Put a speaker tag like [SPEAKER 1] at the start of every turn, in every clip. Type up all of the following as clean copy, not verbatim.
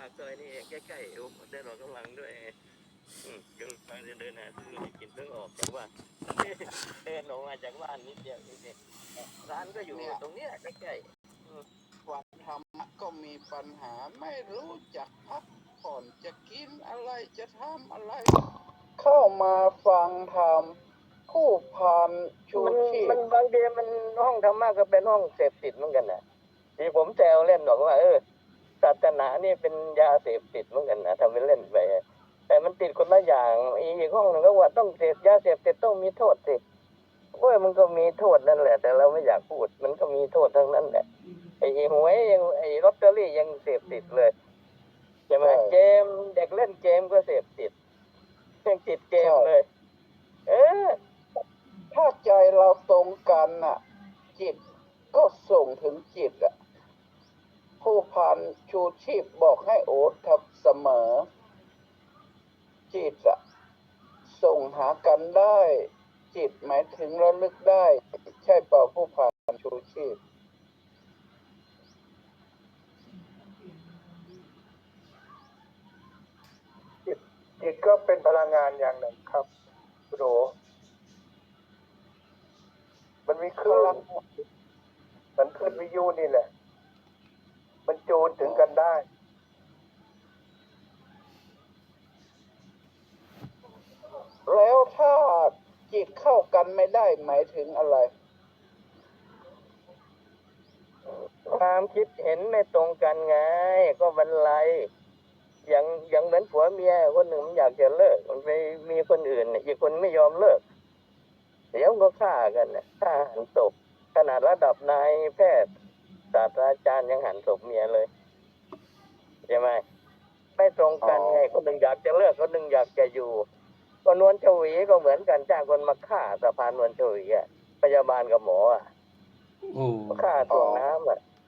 [SPEAKER 1] ากซอยนี่เองใกล้ๆเดินออกกำลังด้วยกำลังเดินหาซื้อกินเพิ่งออกจากบ้านเดินออกมาจากบ้านนิดเดียวนี่ร้านก็อยู่ตรงเนี้ยใกล้ๆ
[SPEAKER 2] วันทำก็มีปัญหาไม่รู้จักพักผ่อนจะกินอะไรจะทำอะไร เข้ามาฟังธรรมผู้พันชูชีพ
[SPEAKER 1] มันบางทีมันห้องธรรมะก็เป็นห้องเสพติดเหมือนกันนะที่ผมแซวเล่นบอกว่าศาสนานี่เป็นยาเสพติดเหมือนกันนะทำเป็นเล่นไปแต่มันติดคนละอย่างอีกห้องหนึ่งก็ว่าต้องเสพยาเสพติดต้องมีโทษสิโอ้ยมันก็มีโทษนั่นแหละแต่เราไม่อยากพูดมันก็มีโทษทั้งนั้นแหละไอ้หวยยังไอ้ลอตเตอรี่ยังเสพติดเลยใช่ไหมเกมเด็กเล่นเกมก็เสพติดยังติดเกมเลย
[SPEAKER 2] ถ้าใจเราตรงกันน่ะจิตก็ส่งถึงจิตอ่ะผู้พันชูชีพบอกให้โอดทับเสมอจิตอ่ะส่งหากันได้จิตหมายถึงระลึกได้ใช่เปล่าผู้พันชูชีพ
[SPEAKER 3] จิตก็เป็นพลังงานอย่างหนึ่งครับคุณโอมันมีคลื่นมันคลื่นวิทยุนี่แหละมันจูนถึงกันได้
[SPEAKER 2] แล้วถ้าจิตเข้ากันไม่ได้หมายถึงอะไร
[SPEAKER 1] ความคิดเห็นไม่ตรงกันไงก็บรรลัยอย่างเหมือนผัวเมียคนหนึ่งมันอยากจะเลิกมันไปมีคนอื่นอีกคนไม่ยอมเลิกเดี๋ยวก็ฆ่ากันฆ่าหันศพขนาดระดับนายแพทย์ศาสตราจารย์ยังหันศพเมียเลยใช่ไหมไม่ตรงกันไงคนหนึ่งอยากจะเลิกคนหนึ่งอยากจะอยู่ก็นวลชวีก็เหมือนกันจ้างคนมาฆ่าสะพานนวลชวีพยาบาลกับหมอฆ่าถ่วงน้ำ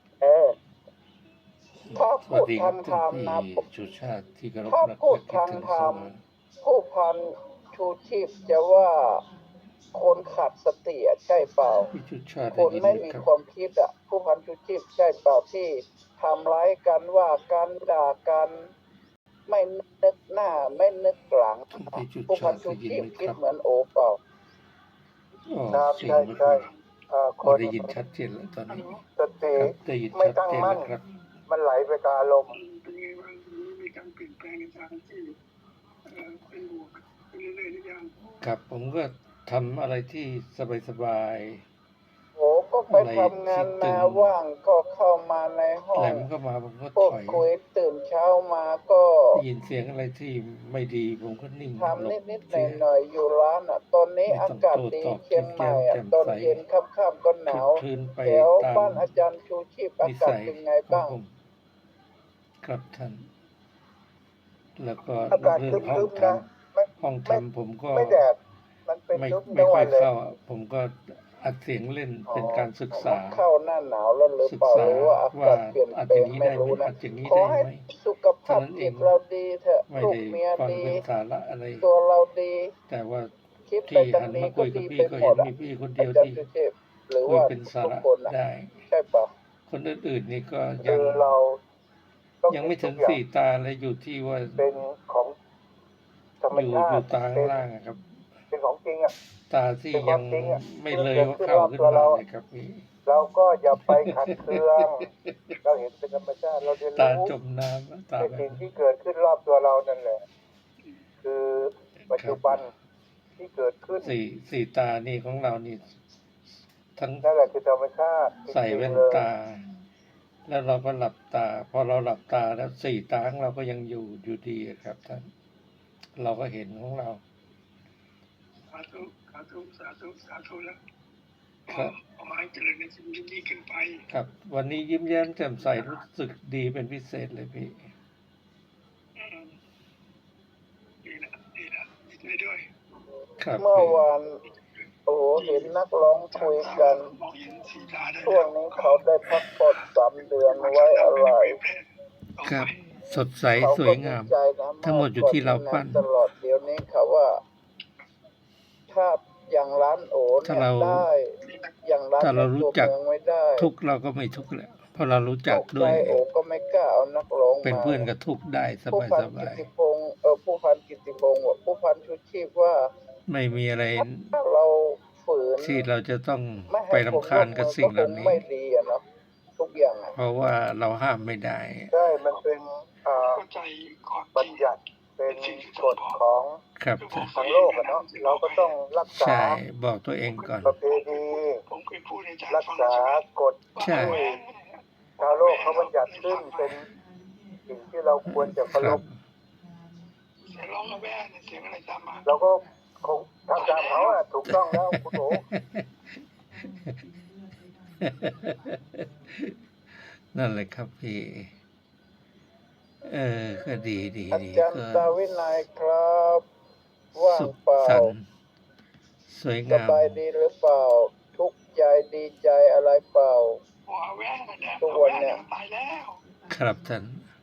[SPEAKER 2] ถ้าพูดทางธรรมนะถ้าพูดทางธรรมผู้พันชูชีพจะว่าคนขาดสติใช่เปล่าคนไม่มีความคิดผู้พันชูชีพใช่เปล่าที่ทำร้ายกันว่ากันด่ากันไม่นึกหน้าไม่นึกหลังผู้พันชูชีพคิดเหมือนโอเปล่า
[SPEAKER 3] ครับใช่ใช่
[SPEAKER 4] คนได้ยินชัดเจนแล้วตอนนี้
[SPEAKER 3] สติไม่ตั้งมั่นมันไหลไปกับอารมณ์
[SPEAKER 5] มีการเปลี่ยนแปลงในทางที่เป็นบวกเรื่อยๆทุกอย่าง
[SPEAKER 4] ครับผมก็ทำอะไรที่สบาย
[SPEAKER 2] โอ้ก็ไปทำงานมาว่างก็เข้ามาในห้อง
[SPEAKER 4] แหลมก็มาผมก็ถอย
[SPEAKER 2] คุยตื่นเช้ามาก็
[SPEAKER 4] ได้ยินเสียงอะไรที่ไม่ดีผมก็นิ่ง
[SPEAKER 2] ทำนิดๆหน่อยๆอยู่ร้านตอนนี้อากาศดีเชียงใหม่ตอนเย็นค่ำๆก็หนาวแถวบ้านอาจารย์ชูชีพอากาศเป็นไงบ้าง
[SPEAKER 4] ครับท่านแล้วก็
[SPEAKER 3] อากาศครึ้มๆนะ
[SPEAKER 4] ห้องทำผมก็
[SPEAKER 3] ไม่แดดมันเป็น
[SPEAKER 4] ไม่ค่อยเข้าผมก็อัดเสียงเล่นเป็นการศึกษา
[SPEAKER 2] เข้าหน้าหนาวแล้วหรือเปล่าหรือว่าอากาศเปลี่ยนแปลงไม่รู้นะขอให้สุขภาพจิตเราดีเถอะลูกเมียดีตัวเราดี
[SPEAKER 4] แต่ว่าที่หันมาคุยกับพี่ก็เห็นมีพี่คนเดียวที่คุยเป็นสาระได้
[SPEAKER 2] ใช่ปะ
[SPEAKER 4] คนอื่นๆนี่ก็ยังไม่ถึงสี่ตาเลยอยู่ที่ว่า
[SPEAKER 3] เป็นของธรรมชาติ
[SPEAKER 4] อยู่ตาข้างล่างครับ
[SPEAKER 3] เป็นของจริง
[SPEAKER 4] ตาที่ยังไม่เลยว่าเข้าขึ้นมาเลยครับพี่
[SPEAKER 3] เราก็อย่าไปขัดเคืองเราเห็นเป็นธรรมชาติเราเรียนรู้
[SPEAKER 4] ตาจมน้ำตา
[SPEAKER 3] สิ่งที่เกิดขึ้นรอบตัวเรานั่นแหละคือปัจจุบันที่เกิดขึ้น
[SPEAKER 4] สี่ตานี่ของเรานี่ทั้ง
[SPEAKER 3] นั่นแหละคือธรรมชาติ
[SPEAKER 4] ใส่แว่นตาแล้วเราก็หลับตาพอเราหลับตาแล้วสี่ตาของเราก็ยังอยู่ดีครับท่านเราก็เห็นของเรา
[SPEAKER 5] สาธุแล้วประมาณเจริญในชีวิตดีขึ้นไป
[SPEAKER 4] ครับวันนี้ยิ้มแย้มแจ่มใสรู้สึกดีเป็นพิเศษเลยพี่
[SPEAKER 5] ดีใจด้วย
[SPEAKER 4] ครับ
[SPEAKER 2] เมื่อวานเห็นนักร้องคุยกันช่วงนี้เขาได้พักผ่อน3 เดือนไว้อะไร
[SPEAKER 4] ครับสดใสสวยงามทั้งหมดอยู่ที่เราปั้น
[SPEAKER 2] ตลอดเดี๋ยวนี้เขาว่าถ้าอย่างร้านโอเนี่ยได้อย่างร้าน
[SPEAKER 4] ถ้าเรารู้จัก
[SPEAKER 2] ไม่ได้
[SPEAKER 4] ทุกเราก็ไม่ทุกแหละเพราะเรารู้จัก
[SPEAKER 2] ตก
[SPEAKER 4] ด้
[SPEAKER 2] ใจ
[SPEAKER 4] วย
[SPEAKER 2] โอก็ไม่กล้าเอานักร้อง
[SPEAKER 4] เป็น
[SPEAKER 2] มา
[SPEAKER 4] เพื่อนกับทุกข์ได้ส
[SPEAKER 2] ผู้พัน
[SPEAKER 4] บา
[SPEAKER 2] กิ
[SPEAKER 4] ย
[SPEAKER 2] ติพงศ์ผู้พันกิติพงศ์ว่าผู้พันชูชีพว่า
[SPEAKER 4] ๆไม่มีอะไร
[SPEAKER 2] ถ้าเราฝืน
[SPEAKER 4] ที่เราจะต้อง
[SPEAKER 2] ไม่
[SPEAKER 4] ไป
[SPEAKER 2] ให้ผม
[SPEAKER 4] รำคาญกับสิ่งเห
[SPEAKER 2] ก็
[SPEAKER 4] ล่า
[SPEAKER 2] คง
[SPEAKER 4] นี้
[SPEAKER 2] ไม่ดีอะเนาะทุกอย่างอะ
[SPEAKER 4] เพราะว่าเราห้ามไม่ได้
[SPEAKER 3] ใช่มันเป็น
[SPEAKER 5] เข้าใจก่อน
[SPEAKER 3] บัญญัติเป็นกฎของ
[SPEAKER 4] ครับ
[SPEAKER 3] ทางโลกอะเนาะเราก็ต้องรักษา
[SPEAKER 4] ใช่ บอกตัวเองก่อน
[SPEAKER 3] ประเพณี
[SPEAKER 5] ผมเคยพูดในใจ
[SPEAKER 3] รักษากฎ
[SPEAKER 4] ใช่
[SPEAKER 3] ที่ชาวโลกเขาบัญญัติขึ้นเป็นสิ่งที่เราควรจะเคา
[SPEAKER 4] ค
[SPEAKER 3] ร
[SPEAKER 4] รับ
[SPEAKER 3] พ
[SPEAKER 5] เสียงร้องระแวงเสียงอะไรตามมา
[SPEAKER 3] เราก็คงทำตามเขาอะถูกต้องแล้วคุณโอ
[SPEAKER 4] นั่นแหละครับพี่ ก็ดี
[SPEAKER 2] อาจารย์
[SPEAKER 4] ก็
[SPEAKER 2] ตาวินัยครับ ว่าง
[SPEAKER 4] สุข
[SPEAKER 2] เปล่า
[SPEAKER 4] สันต์สวย
[SPEAKER 2] ส
[SPEAKER 4] งาม
[SPEAKER 2] บายดีหรือเปล่า ทุกข์ใจดีใจอะไรเปล่า
[SPEAKER 5] หัวแวงเนี่ย
[SPEAKER 2] ทุกวันเนี่ย
[SPEAKER 5] ตายแล้ว
[SPEAKER 4] ครับท่าน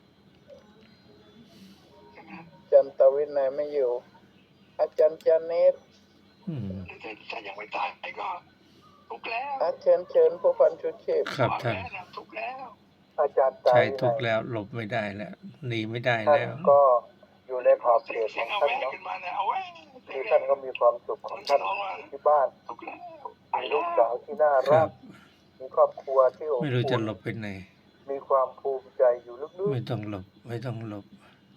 [SPEAKER 2] อาจารย์ตาวินัยไม่อยู่ อาจารย์จานิด
[SPEAKER 4] อืม
[SPEAKER 5] ถ้ายังไม่ตายก็ทุกข์แล้ว
[SPEAKER 2] เชิญผู้พันชูชีพ
[SPEAKER 4] ครับท่าน
[SPEAKER 5] ทุกข์แล้ว
[SPEAKER 3] อาจารย์ตา
[SPEAKER 4] ใช้
[SPEAKER 3] วิ
[SPEAKER 4] ทุ
[SPEAKER 3] นั
[SPEAKER 4] กข์
[SPEAKER 3] ย
[SPEAKER 4] แล้วหลบไม่ได้แล้ว หนีไม่ได้
[SPEAKER 3] ท่าน
[SPEAKER 4] แล้ว
[SPEAKER 3] ก็อยู่ในขอบเขต
[SPEAKER 5] เสี
[SPEAKER 3] ข
[SPEAKER 5] ย
[SPEAKER 3] อง ง
[SPEAKER 5] เอา
[SPEAKER 3] ท่าน
[SPEAKER 5] แวง
[SPEAKER 3] เนาะ
[SPEAKER 5] ขึ้นมาเนี่ยเอาแวง
[SPEAKER 3] ที่ท่านก็มีความสุขของท่านที่บ้าน
[SPEAKER 5] ทุกข์แล้ว
[SPEAKER 3] มีลูกสาวที่น่า
[SPEAKER 4] ค
[SPEAKER 3] รั
[SPEAKER 4] รั
[SPEAKER 3] ก
[SPEAKER 4] บ
[SPEAKER 3] มีครอบครัวที่อบ
[SPEAKER 4] ไม่รู้จะ
[SPEAKER 3] อุ่น
[SPEAKER 4] หลบไปไหน
[SPEAKER 3] มีความภูมิใจอยู่ลึก
[SPEAKER 4] ไม่ต้องหลบ ไม่ต้องหลบ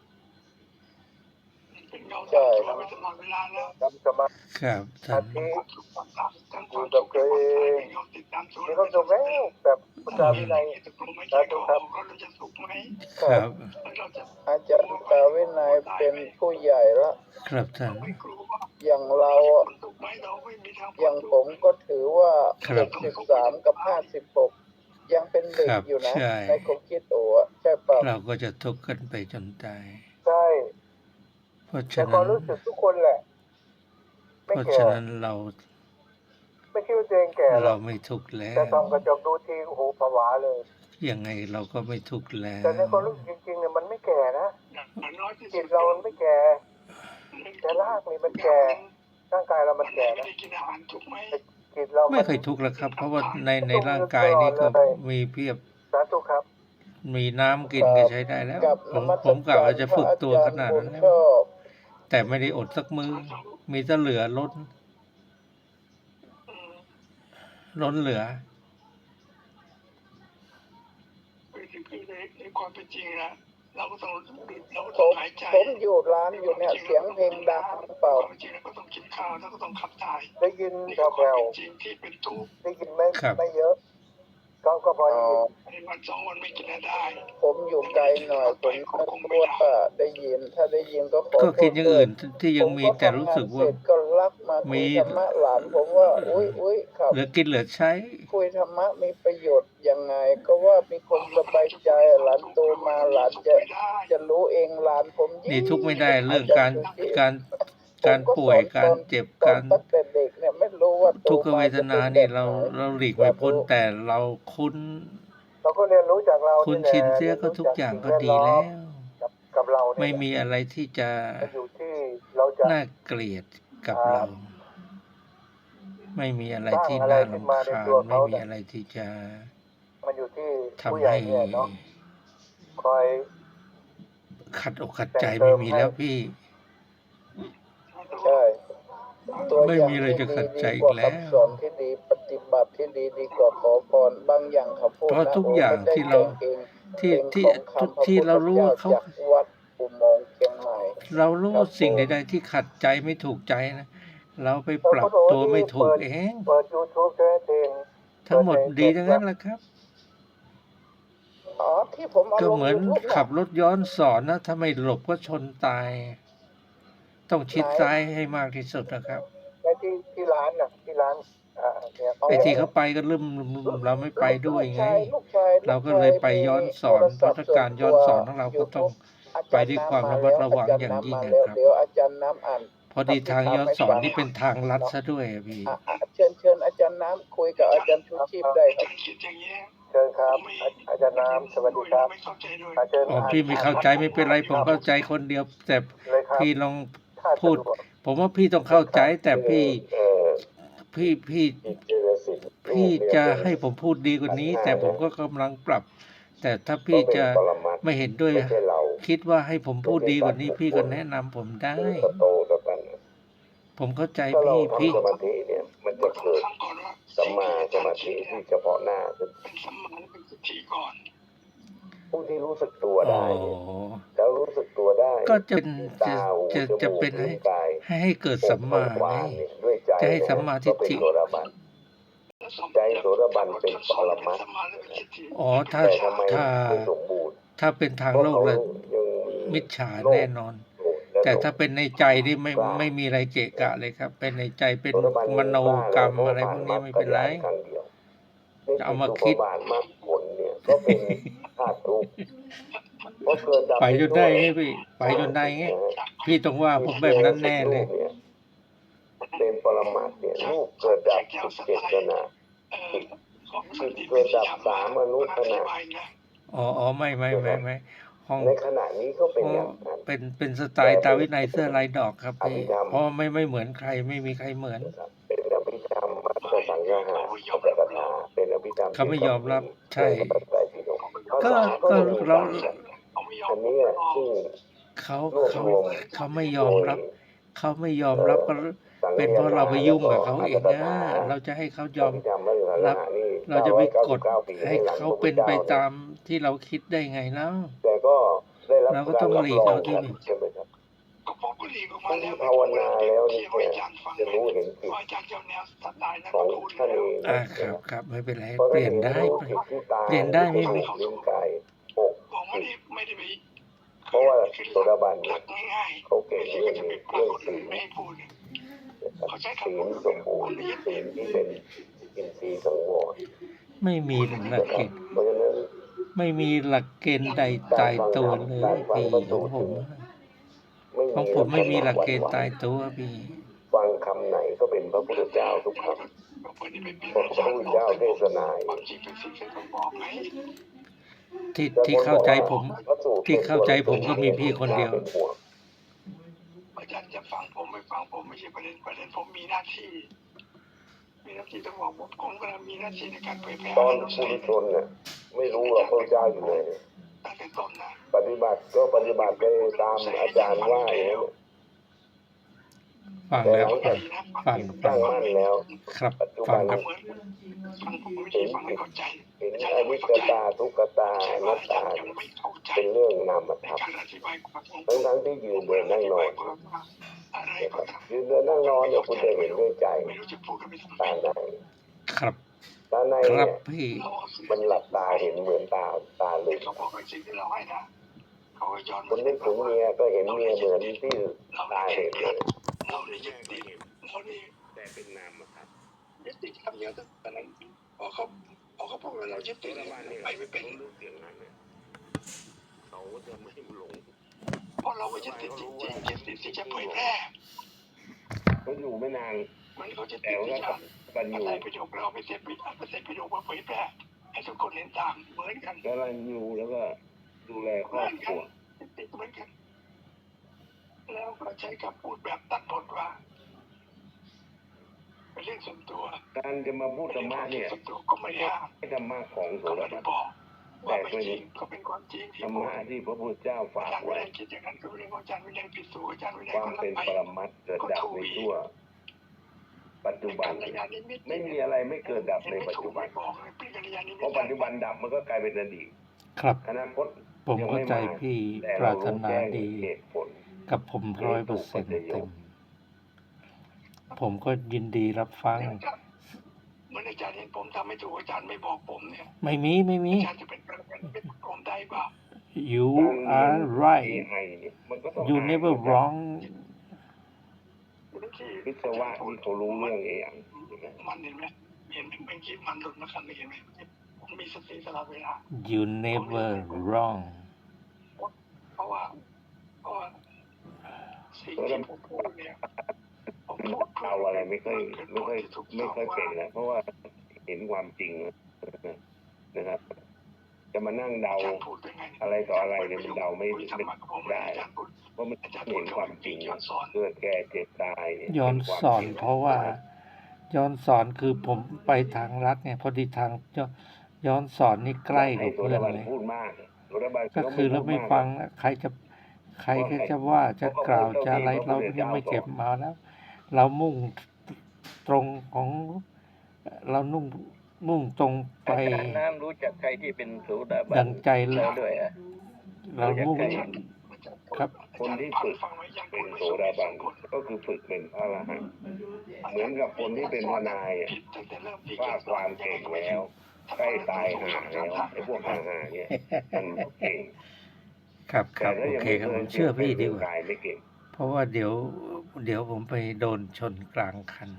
[SPEAKER 5] เป็นเงาตามตัวไปตลอดเวลาแล้ว
[SPEAKER 3] ๆทำสมาธิ
[SPEAKER 4] ครับท่าน
[SPEAKER 3] อยู่
[SPEAKER 5] อยู่
[SPEAKER 3] กับตัวเองมีความสุขแล้วแบบพระเจ้าวินัย
[SPEAKER 5] สาธุครับเราจะสุขไหม
[SPEAKER 4] ครับ
[SPEAKER 5] เราจะ
[SPEAKER 2] อาจารย์ตาวินัยเป็นผู้ใหญ่ละ
[SPEAKER 4] ครับท่าน
[SPEAKER 5] ไม่กลัว
[SPEAKER 2] อย่างเราอะ
[SPEAKER 5] คนสุขไหมเราไม่มีทาง
[SPEAKER 2] อย่างผมก็ถือว่า
[SPEAKER 4] ครับ
[SPEAKER 2] 63 กับ 56 ยังเป็นเด็ก
[SPEAKER 4] ครับ
[SPEAKER 2] อยู่นะ
[SPEAKER 4] ใช่
[SPEAKER 2] ในความคิดโอ้อะใช่เปล่า
[SPEAKER 4] เราก็จะทุกข์กันไปจนตาย
[SPEAKER 3] ใช่
[SPEAKER 4] เพราะ
[SPEAKER 3] แต่
[SPEAKER 4] ฉะ
[SPEAKER 3] ควา
[SPEAKER 4] นั้
[SPEAKER 3] ม
[SPEAKER 4] น
[SPEAKER 3] รู้สึกทุกคนแหละ
[SPEAKER 4] เพ
[SPEAKER 3] ไม่
[SPEAKER 4] ราะ
[SPEAKER 3] แก่
[SPEAKER 4] ฉะนั้นเรา
[SPEAKER 3] ไม่คิดว่าตัวเองแก่หร
[SPEAKER 4] เรา
[SPEAKER 3] อก
[SPEAKER 4] ไม่ทุกข์แล้ว
[SPEAKER 3] แต่ส่องกระจกดูทีโอ้โหผวาเลย
[SPEAKER 4] ยังไงเราก็ไม่ทุกข์แล้ว
[SPEAKER 3] แต่ในความรู้สึกจริงๆเนี่ยมันไม่แก่นะ
[SPEAKER 5] อย่างน้อยที่
[SPEAKER 3] จิ
[SPEAKER 5] สุ
[SPEAKER 3] ต
[SPEAKER 5] ด
[SPEAKER 3] เรามันไม่แก่แต่ร่างนี่มันแก่ร่างกายเรามันแก่
[SPEAKER 5] ไม่
[SPEAKER 3] นะ
[SPEAKER 5] ได้กินอาหารถูกไหม
[SPEAKER 3] จิตเรา
[SPEAKER 4] ไม่เคยทุกข์แล้วครับ เพราะว่าในร่างกายนี้ก็มีเพียบ
[SPEAKER 3] สาธุครับ
[SPEAKER 4] มีน้ำกินก็ใช้ได้แล้ว
[SPEAKER 2] กับ
[SPEAKER 4] ผมกะว่าจะฝึกตัว
[SPEAKER 2] พ
[SPEAKER 4] ข
[SPEAKER 2] ระ
[SPEAKER 4] นาด
[SPEAKER 2] อจร
[SPEAKER 4] นั้น
[SPEAKER 2] ย์
[SPEAKER 4] แล้ว
[SPEAKER 2] ชอบ
[SPEAKER 4] แต่ไม่ได้อดสักมือ มีแต่เหลือล้น ล้นเหลือ
[SPEAKER 5] คือในความเป็นจริงนะเราก็ต้อง
[SPEAKER 2] ผม
[SPEAKER 5] หายใจ
[SPEAKER 2] ผมอยู่ร้านอยู่เนี่ย เสียงเพลงดังเปล่า
[SPEAKER 5] ความเป็นจริงเราก็ต้องกินข้าวแล้วก็ต้องขับถ่าย
[SPEAKER 3] ได้ยิน
[SPEAKER 5] นี่
[SPEAKER 3] แ
[SPEAKER 5] คือควา
[SPEAKER 3] ผ่
[SPEAKER 5] ม
[SPEAKER 3] ว
[SPEAKER 5] เป็นจริงที่เป็นทุกข์
[SPEAKER 3] ๆได้ยินไม่
[SPEAKER 4] ครับ
[SPEAKER 3] ไม่เยอะ ก็พอได้ยิน
[SPEAKER 5] ในวันสองวันไม่กินได้
[SPEAKER 2] ผมอยู่ไกลหน่อย ผมไม่รู้ว่าได้ยิน ถ้าได้ยินก็ขอ
[SPEAKER 4] ก็คิดอย่างอื่น
[SPEAKER 2] โทษ
[SPEAKER 4] ที่ยังมีแต่รู้สึกว่า
[SPEAKER 2] ผมก็ทำงนเสร็จก็รักมาคุยธรรมะหลานผมว่า อุ้ยครับ
[SPEAKER 4] เหลือกินเหลือใช้
[SPEAKER 2] คุยธรรมะมีประโยชน์ยังไง ก็ว่ามีคนสบายใจหลานโตมาหลานจะรู้เองหลานผมยิ่ง
[SPEAKER 4] นี่ทุกข์ไม่ได้เรื่องการ
[SPEAKER 2] ผม
[SPEAKER 4] ป่วย
[SPEAKER 2] สอน
[SPEAKER 4] การเจ็บ
[SPEAKER 2] ตอ
[SPEAKER 4] การ
[SPEAKER 2] นตั้งแต่เด็กเนี่ยไม่รู้ว่าโต
[SPEAKER 4] ทุกขเวทนานี่
[SPEAKER 2] ม
[SPEAKER 4] เรา
[SPEAKER 2] จะป็นแบบไหน
[SPEAKER 4] หลีกไม่พ้นแต่เราคุ้น
[SPEAKER 3] เราก็เรียนรู้จากเรา
[SPEAKER 4] คุ้น
[SPEAKER 3] แหละ
[SPEAKER 4] ชินเสียก็ทุกอย่างก็ดีแล้ว
[SPEAKER 3] กับเราเนี่ย
[SPEAKER 4] ไม่มีอะไรที่จะ
[SPEAKER 3] มันอยู่ที่เราจะ
[SPEAKER 4] น่าเกลียดกับเรา ไม่มีอะไรที่น่ารำคาญไม่มีอะไรที่จะ
[SPEAKER 3] มันอยู่ที่ผู้
[SPEAKER 4] ทำ
[SPEAKER 3] ใหญ่
[SPEAKER 4] ให้
[SPEAKER 3] เนี่ยเนาะคอย
[SPEAKER 4] ขัดอกขัดใจไม่มีแล้วพี่
[SPEAKER 2] ใช่ตัว
[SPEAKER 4] ไม่
[SPEAKER 2] อย่าง
[SPEAKER 4] มีอะไร
[SPEAKER 2] ที่
[SPEAKER 4] จะขัดใจ
[SPEAKER 2] ดี
[SPEAKER 4] อี
[SPEAKER 2] ก
[SPEAKER 4] ก
[SPEAKER 2] ว่า
[SPEAKER 4] แล้ว
[SPEAKER 2] คำสอนที่ดีปฏิบัติที่ดีดีกว่าขอพรบางอย่างเขาพูด
[SPEAKER 4] เพราะ
[SPEAKER 2] นะ
[SPEAKER 4] ทุกอย่าง
[SPEAKER 2] โไม่ได้
[SPEAKER 4] ที่เรา
[SPEAKER 2] แต่งเอง
[SPEAKER 4] ที่
[SPEAKER 2] เป็น
[SPEAKER 4] ที่
[SPEAKER 2] ของคำ
[SPEAKER 4] ที่เรารู้ว่าเขา
[SPEAKER 2] พะพุทธจ้จากวัดอุโมงค์เชียงใหม่
[SPEAKER 4] เรารู้ว่าสิ่ง
[SPEAKER 2] ครับผม
[SPEAKER 4] ใดๆที่ขัดใจไม่ถูกใจนะเราไปปรับตัวไม่ถูกเอง
[SPEAKER 3] เปิด YouTube แค่เพลง
[SPEAKER 4] ทั้งหมดดีทั้งนั้นแหละครับ
[SPEAKER 2] อ๋อที่ผมเอา
[SPEAKER 4] ก็
[SPEAKER 2] ลง
[SPEAKER 4] เหมือน
[SPEAKER 2] YouTube
[SPEAKER 4] ขับรถย้อนสอนนะถ้าไม่หลบก็ชนตาย ต้องชิดซ้ายให้มากที่สุดนะครับ
[SPEAKER 3] ในที่ร้านน่ะที่ร้านเนี่ย
[SPEAKER 4] ไอ้ที่เขาไปก็ลืมเราไม่ไปด้วยไง
[SPEAKER 2] ลูกชาย
[SPEAKER 4] เราก็เลยไปย้อนสอนเพราะถ้าการย้อนสอนของเราก็ต้องไปด้วยความระมัดระวังอย่างยิ่งนะครับ
[SPEAKER 2] เดี๋ยวอาจารย์น้ำอ่าน
[SPEAKER 4] พอดีทางย้อนสอนนี่เป็นทางลัดซะด้วยอะพี่
[SPEAKER 2] เชิญอาจารย์น้ำคุยกับอาจารย์ชูชีพได้ครับ
[SPEAKER 5] คิดอย่างนี้
[SPEAKER 3] เชิญครับอาจารย์น้ำสวัสดีครับ
[SPEAKER 5] ไม่เข้าใจด้วย
[SPEAKER 3] เชิญ
[SPEAKER 4] อ๋อพี่ไม่เข้าใจไม่เป็นไรผมเข้าใจคนเดียว แต่
[SPEAKER 3] เลยครับ
[SPEAKER 4] พี่ลอง
[SPEAKER 3] ถ้า
[SPEAKER 4] พูด
[SPEAKER 3] สะวก
[SPEAKER 4] ผมว่าพี่ต้องเข้าใจแต่พี่
[SPEAKER 3] เออ
[SPEAKER 4] พี่
[SPEAKER 3] จิตเจริญสิทธิ์
[SPEAKER 4] พี่จะให้ผมพูดดีกว่านี้ แต่ผมก็กำลังปรับ แต่ถ้าพี่จะไม่เห็นด้วย
[SPEAKER 3] ไม่ใช่เรา
[SPEAKER 4] คิดว่าให้ผมพูดดีกว่านี้ พี่ก็แนะนำผมได้
[SPEAKER 3] คือสโตต่อกัน
[SPEAKER 4] ผมเข้าใจ
[SPEAKER 3] ถ้าเรา
[SPEAKER 4] พี่
[SPEAKER 3] ทำสมาธิเนี่ย มันจะเกิด
[SPEAKER 5] ฟังก่อนว่า
[SPEAKER 3] สัมมาสมาธิที่เฉพาะหน้าคือ
[SPEAKER 5] เป็นสัมมาและเป็นสติก่อน
[SPEAKER 3] ผู้ที่รู้สึกตัว
[SPEAKER 4] อ๋อ
[SPEAKER 3] ได้เนี่ยแล้วรู้สึกตัวได้
[SPEAKER 4] ก็จะเป็น
[SPEAKER 3] ตาหูจมูก
[SPEAKER 4] จะเป็น
[SPEAKER 3] ลิ้นกาย
[SPEAKER 4] ให้เกิดสัมมา
[SPEAKER 3] วา
[SPEAKER 4] ไง
[SPEAKER 3] นเนี่ยด้วยใจ
[SPEAKER 4] จะให้สัมมาทิฏฐิ
[SPEAKER 3] ก็เป็นโสดาบัน ใจโสดาบันเป็นปรมัตถ์
[SPEAKER 5] สัมมาและเป็นสติ
[SPEAKER 4] อ๋อ ถ้า
[SPEAKER 3] แต่ทำไม
[SPEAKER 4] ถ้า
[SPEAKER 3] ไม่สมบูรณ์
[SPEAKER 4] ถ้าเป็นทาง
[SPEAKER 3] เพราะ
[SPEAKER 4] โลก
[SPEAKER 3] เขา
[SPEAKER 4] แล้ว
[SPEAKER 3] ยัง
[SPEAKER 4] มิจฉา
[SPEAKER 3] โลภ
[SPEAKER 4] แน่นอน
[SPEAKER 3] โกรธและ
[SPEAKER 4] แต่
[SPEAKER 3] หลง
[SPEAKER 4] ถ้าเป็นในใจนี่ไม่
[SPEAKER 3] กล้า
[SPEAKER 4] ไม่มีอะไรเกะกะเลยครับ เป็นในใจเป็น
[SPEAKER 3] โสดาบัน
[SPEAKER 4] มโนกรรม
[SPEAKER 3] กล้า
[SPEAKER 4] อะไร
[SPEAKER 3] แล้ว
[SPEAKER 4] พวกนี้
[SPEAKER 3] ผ่า
[SPEAKER 4] ไม่เป็นไร
[SPEAKER 3] มรรคครั้งเดียว
[SPEAKER 4] จะเอามา
[SPEAKER 3] ใน
[SPEAKER 4] คิด
[SPEAKER 3] อุปบาทมรรคผลเนี่ยก็เป็นธาตุทุกข์เพราะเกิดดับ
[SPEAKER 4] ไปจนได้ไง
[SPEAKER 3] ม่
[SPEAKER 4] พี่ ไปจนได้ไง
[SPEAKER 3] นะฮะ
[SPEAKER 4] พี่ต้องว่าผมแบบนั้นแน่เลย
[SPEAKER 3] รูปนี่เป็นปรมัตถ์เนี่ยรูปเกิดดับ17ขณะ
[SPEAKER 5] ของ
[SPEAKER 3] จิตเกิดดับ3อนุขณะ
[SPEAKER 4] อ๋อไม่ห้อง
[SPEAKER 3] ในขณะนี้ก็เป็นอย่างนั้น
[SPEAKER 4] เป็นสไตล์ตาวินัยเสื้อลายดอกครับพี่
[SPEAKER 3] อภิธรรม
[SPEAKER 4] เพราะไม่เหมือนใครไม่มีใครเหมือน
[SPEAKER 3] นะครับเป็นอภิธรรมมัตตสังฆะปัจจกถาเป็นอภิธรรม
[SPEAKER 4] เขาไม่ยอมรับใช่
[SPEAKER 3] ในพระไตรปิฎกภา
[SPEAKER 4] ก็
[SPEAKER 3] ษาก็จะมี
[SPEAKER 4] เรา
[SPEAKER 3] ต่างกันอันนี้ซึ่ง
[SPEAKER 4] เขา
[SPEAKER 3] รวบรวม
[SPEAKER 4] เขาไม่ยอมรับ เขาไม่ยอมรับก็เป็นเพราะเราไปยุ่งกับเขาเองนะเราจะให้เขายอม
[SPEAKER 3] อภิธรรมมัตตสัง
[SPEAKER 4] รับ
[SPEAKER 3] ฆะนี่
[SPEAKER 4] เราจะไปกด
[SPEAKER 3] 999ปี
[SPEAKER 4] ให้
[SPEAKER 3] หลัง
[SPEAKER 4] เขา
[SPEAKER 3] พระพุทธ
[SPEAKER 4] เป็นไป
[SPEAKER 3] จ้
[SPEAKER 4] ตามที่เราคิดได้ไงแล้ว
[SPEAKER 3] แต่ก็ได้รับ
[SPEAKER 4] เราก็
[SPEAKER 3] การ
[SPEAKER 4] ต้อง
[SPEAKER 3] รับ
[SPEAKER 4] หลีก
[SPEAKER 3] รอง
[SPEAKER 4] เอาที่
[SPEAKER 3] กันใช่ไหมครับ
[SPEAKER 5] ก็ผมก็หลีกออกมา
[SPEAKER 3] ผู้
[SPEAKER 5] แล้
[SPEAKER 3] ที่
[SPEAKER 5] ว
[SPEAKER 3] ภาวนาแล้วนี่
[SPEAKER 5] ที่อาจารย์ฟัง
[SPEAKER 3] จะรู้เห็นจิต
[SPEAKER 5] อาจารย์เจ้าแนวสไตล์นั้น
[SPEAKER 3] ของ
[SPEAKER 5] พูด
[SPEAKER 3] ท่าน
[SPEAKER 5] แล้
[SPEAKER 3] เอ
[SPEAKER 5] ว
[SPEAKER 3] ง
[SPEAKER 4] ครับไม่เป็นไร
[SPEAKER 3] เพราะ
[SPEAKER 4] เป
[SPEAKER 3] ท่าน
[SPEAKER 4] ลี่ยน
[SPEAKER 3] เอง
[SPEAKER 4] ได้
[SPEAKER 3] รู้จิตที่ตา
[SPEAKER 4] เปลี่ยนได้
[SPEAKER 3] จ
[SPEAKER 4] ไม่
[SPEAKER 3] มู
[SPEAKER 4] มี
[SPEAKER 3] กลิ้นกายอก
[SPEAKER 5] ผมไม่ได้ไป
[SPEAKER 3] เพราะว่าโสดาบัน
[SPEAKER 5] ห
[SPEAKER 3] เนี่
[SPEAKER 5] ลั
[SPEAKER 3] ย
[SPEAKER 5] กง่ายๆ
[SPEAKER 3] เขาเก่ง
[SPEAKER 5] ไม่
[SPEAKER 3] เรื่
[SPEAKER 5] ใช่
[SPEAKER 3] อง
[SPEAKER 5] ก็จะ
[SPEAKER 3] นี้
[SPEAKER 5] ไปฟั
[SPEAKER 3] เรื่อง ง
[SPEAKER 5] คน
[SPEAKER 3] ศี
[SPEAKER 5] อื่น
[SPEAKER 3] ล
[SPEAKER 5] ไม่ให้พูด เขาใช้
[SPEAKER 3] ศี
[SPEAKER 5] คำพู
[SPEAKER 3] ล
[SPEAKER 5] ด
[SPEAKER 3] สมบูรณ์ศีลที่เป็นอินทรีย์สังวร
[SPEAKER 4] ไม่มีหลัก
[SPEAKER 3] นะค
[SPEAKER 4] เก
[SPEAKER 3] รับ
[SPEAKER 4] ณฑ์
[SPEAKER 3] เพราะฉะนั้น
[SPEAKER 4] ไม่มีหลักเกณฑ์ใดตายตัวเลยพี่ของผม
[SPEAKER 3] ไม่
[SPEAKER 4] ของ
[SPEAKER 3] มี
[SPEAKER 4] ผมไม่มีหลักเกณฑ์
[SPEAKER 3] วั
[SPEAKER 4] ตายตัวพี่
[SPEAKER 3] ฟังคำไหนก็เป็นพระพุทธเจ้าทุกคำเพราะพระพุทธเจ้าเทศนา
[SPEAKER 5] ความจริงเป็นสิ่งที่ต้องบอกไหม
[SPEAKER 4] ที่เข้าใจผม ที่เข้าใจผมก็มีพี่คนเดียว
[SPEAKER 5] อาจารย์จะฟังผมไม่ฟังผมไม่ใช่ประเด็นผมมีหน้าที่ต้องบอกผมกำลังมีหน้าที่ในการเผยแพร่
[SPEAKER 3] ตอนผู้ทุชนเนี่ยไม่รู้ว่าพระเจ้าอยู่ไหน
[SPEAKER 5] ตั้งแต่ต้นนะ
[SPEAKER 3] ปฏิบัติก็ปฏิบัติไปตามอาจารย์ว่าอย่างนี้
[SPEAKER 4] ฟัง
[SPEAKER 3] แต่
[SPEAKER 4] แล้
[SPEAKER 3] ห
[SPEAKER 4] ว
[SPEAKER 3] ลังจาก
[SPEAKER 4] ฟัง
[SPEAKER 3] ตั้งมั่นแล้ว
[SPEAKER 4] ครับ
[SPEAKER 3] ปัจจุ
[SPEAKER 4] ฟั
[SPEAKER 3] บั
[SPEAKER 4] ง
[SPEAKER 3] น
[SPEAKER 4] ครับ
[SPEAKER 5] เหมือนฟังผมไม่ได้ฟังไม่เข้าใจ
[SPEAKER 3] เห็นอนิจจตาทุกขตาอนัตตา
[SPEAKER 5] ยังไม่เข้าใจ
[SPEAKER 3] เป็นเรื่องนาม
[SPEAKER 5] ใน
[SPEAKER 3] ธรรม
[SPEAKER 5] การอธิบายความของ
[SPEAKER 3] ทั้งที่ยืนเดินนั่งนอน
[SPEAKER 5] อะไร
[SPEAKER 3] นะค
[SPEAKER 5] ก็
[SPEAKER 3] รับ
[SPEAKER 5] ตาม
[SPEAKER 3] ยืนเดินนั่งนอนเนี่ยคุณจะเห็นด้วยใจ
[SPEAKER 5] ไม่รู้จะพูดกันไปทำไม
[SPEAKER 3] ตาใน
[SPEAKER 4] ครับ
[SPEAKER 3] ตาใน
[SPEAKER 4] ครั
[SPEAKER 3] เนี่
[SPEAKER 4] บ
[SPEAKER 3] ย
[SPEAKER 4] พี่
[SPEAKER 3] มันหลับตาเห็นเหมือนตาลึก
[SPEAKER 5] เขาบอกเป็นสิ่งที่เราให้นะเขาก็ย้อน
[SPEAKER 3] คนนึกถึงเมียก็เห็นเมียเหมือนที่ตาเห็นเลย
[SPEAKER 5] เราได้ยึดติดเราได้
[SPEAKER 3] แต่เป็นนามธรรม
[SPEAKER 5] ยึดติดคำเดียวแต่นั้นพอเขาพูดว่าเรายึดติดไปไม่เป็น
[SPEAKER 3] รู้เสียงนั้นเนี่ยเขาจะไม่หลง
[SPEAKER 5] เพราะเราไม่ยึดติดจริงๆยึดติดที่จะเผยแพร่
[SPEAKER 3] เขาอยู่ไม่นาน
[SPEAKER 5] มันเขาจะ
[SPEAKER 3] แต่
[SPEAKER 5] ติด
[SPEAKER 3] ว่า
[SPEAKER 5] ที่จะ
[SPEAKER 3] กันอยู่
[SPEAKER 5] ใส่ประโยคเราไปเสร็จประโยคมาเผยแพร่ให้ทุกคนเห็นตามเหมือนกัน
[SPEAKER 3] กำลังอยู่แล้วก็ดูแลครอบครัว
[SPEAKER 5] ติดเหมือนกัน แล้วก็ใช้คำพูดแบบตัดบทว่าเป็นเรื่องส่วนตัว
[SPEAKER 3] การจะมาพูดธรรมะเนี่ย
[SPEAKER 5] ส่วนตัวก็ไม่ได้ห้าม
[SPEAKER 3] ให้ธรรมะของโส
[SPEAKER 5] ก็
[SPEAKER 3] ดา
[SPEAKER 5] ไม่ได้
[SPEAKER 3] บัน
[SPEAKER 5] บอกว่าไม่จริงก็เป็นความจริง
[SPEAKER 3] ธ
[SPEAKER 5] ที่
[SPEAKER 3] รร
[SPEAKER 5] พูด
[SPEAKER 3] มะที่พระพุทธเจ้าฝา
[SPEAKER 5] อาก จารย์วิ
[SPEAKER 3] ไว้
[SPEAKER 5] นัยคิดอย่างนั้นก็เรื่องของอาจารย์วินัยผิดสูอาจารย์วินัย
[SPEAKER 3] ความ
[SPEAKER 5] ก็รับ
[SPEAKER 3] เป็น
[SPEAKER 5] ไป
[SPEAKER 3] ปรมัตถ์เกิดดับในทั่ว ปัจจุบัน ไม่มีอะไรไม่เกิดดับในปัจจุบัน
[SPEAKER 5] บอกเลยเป็นกัลยาณมิตร
[SPEAKER 3] เพราะปัจจุบันดับมันก็กลายเป็นอดีต
[SPEAKER 4] ครับ
[SPEAKER 3] อนาคต
[SPEAKER 4] ผมเข้าใจพี่
[SPEAKER 3] แต่
[SPEAKER 4] ป
[SPEAKER 3] เรา
[SPEAKER 4] รารถ
[SPEAKER 3] รู้
[SPEAKER 4] นา
[SPEAKER 3] แจ้ง
[SPEAKER 4] ดี
[SPEAKER 3] เหตุผล
[SPEAKER 4] กับผม100%เต็ม ผมก็ยินดีรับฟัง
[SPEAKER 5] เหมือนอาจารย์เห็นผมทำไม่ถูกอาจารย์ไม่บอกผมเนี่ย
[SPEAKER 4] ไม่มี
[SPEAKER 5] อาจารย์จะเป็นผมได้เปล่า
[SPEAKER 4] you are right
[SPEAKER 3] AI เนี่ยมันก็ต้อง
[SPEAKER 4] you never wrong
[SPEAKER 3] วิศวะที่เขารู้เรื่อง AI ใช่ไหม
[SPEAKER 5] มันเห็นไหมเห็นเป็นคลิปมันหลุดมาคำนี้เห็นไหมผมมีสติตลอดเวลา
[SPEAKER 4] you never wrong
[SPEAKER 5] เพราะว่าสิ่งที่ผมพูดเนี่ยผมพูด
[SPEAKER 3] เอาอะไรไม่ค่อยเป็นแล้วเพราะว่าเห็นความจริงนะครับ จะมานั่งเดาอะไรต่ออะไรเนี่ยมันเดาไม่ได้เพราะมันเห็นความจริงเกิดแก่เจ็บตายเนี่ย
[SPEAKER 4] ย้อนสอนเพราะว่าย้อนสอนคือผมไปทางรัฐไงพอดีทางย้อนสอนนี่ใกล้กว่า
[SPEAKER 3] โส
[SPEAKER 4] เพื่อน
[SPEAKER 3] ดาบัน
[SPEAKER 4] เลย
[SPEAKER 3] พูดมากโสดาบัน
[SPEAKER 4] ก็คือเราไม่ฟังนะใครก็จะว่าจะกล่าวจะอะไรเรายังไม่เก็บมาแล้ว เรามุ่งตรงของเรามุ่งตรงไป
[SPEAKER 1] อาจารย์น้ำรู้จักใครที่เป็นโสดาบั
[SPEAKER 4] ดั
[SPEAKER 1] น
[SPEAKER 4] งใจ
[SPEAKER 1] แล้วด้วยอ่ะ
[SPEAKER 4] เรามุ่ง ครับ
[SPEAKER 3] คนที่ฝึกเป็นโสดาบันก็คือฝึกเป็นพระอรหันต์เหมือนกับคนที่เป็นทนายอะว่าความเก่งแล้วใกล้ตายห่าแล้วไอ้พวกห่าเนี่ยมันเก่ง
[SPEAKER 4] ครับครับ
[SPEAKER 3] แต่ถ้า
[SPEAKER 4] โอ
[SPEAKER 3] ยัง
[SPEAKER 4] เค
[SPEAKER 3] ไม่
[SPEAKER 4] ครับ
[SPEAKER 3] เค
[SPEAKER 4] ผ
[SPEAKER 3] ย
[SPEAKER 4] มเชื่อพี่ดีกว่า
[SPEAKER 3] กายไม่เก่ง
[SPEAKER 4] เพราะว่าเดี๋ยวผมไปโดนชนกลางคัน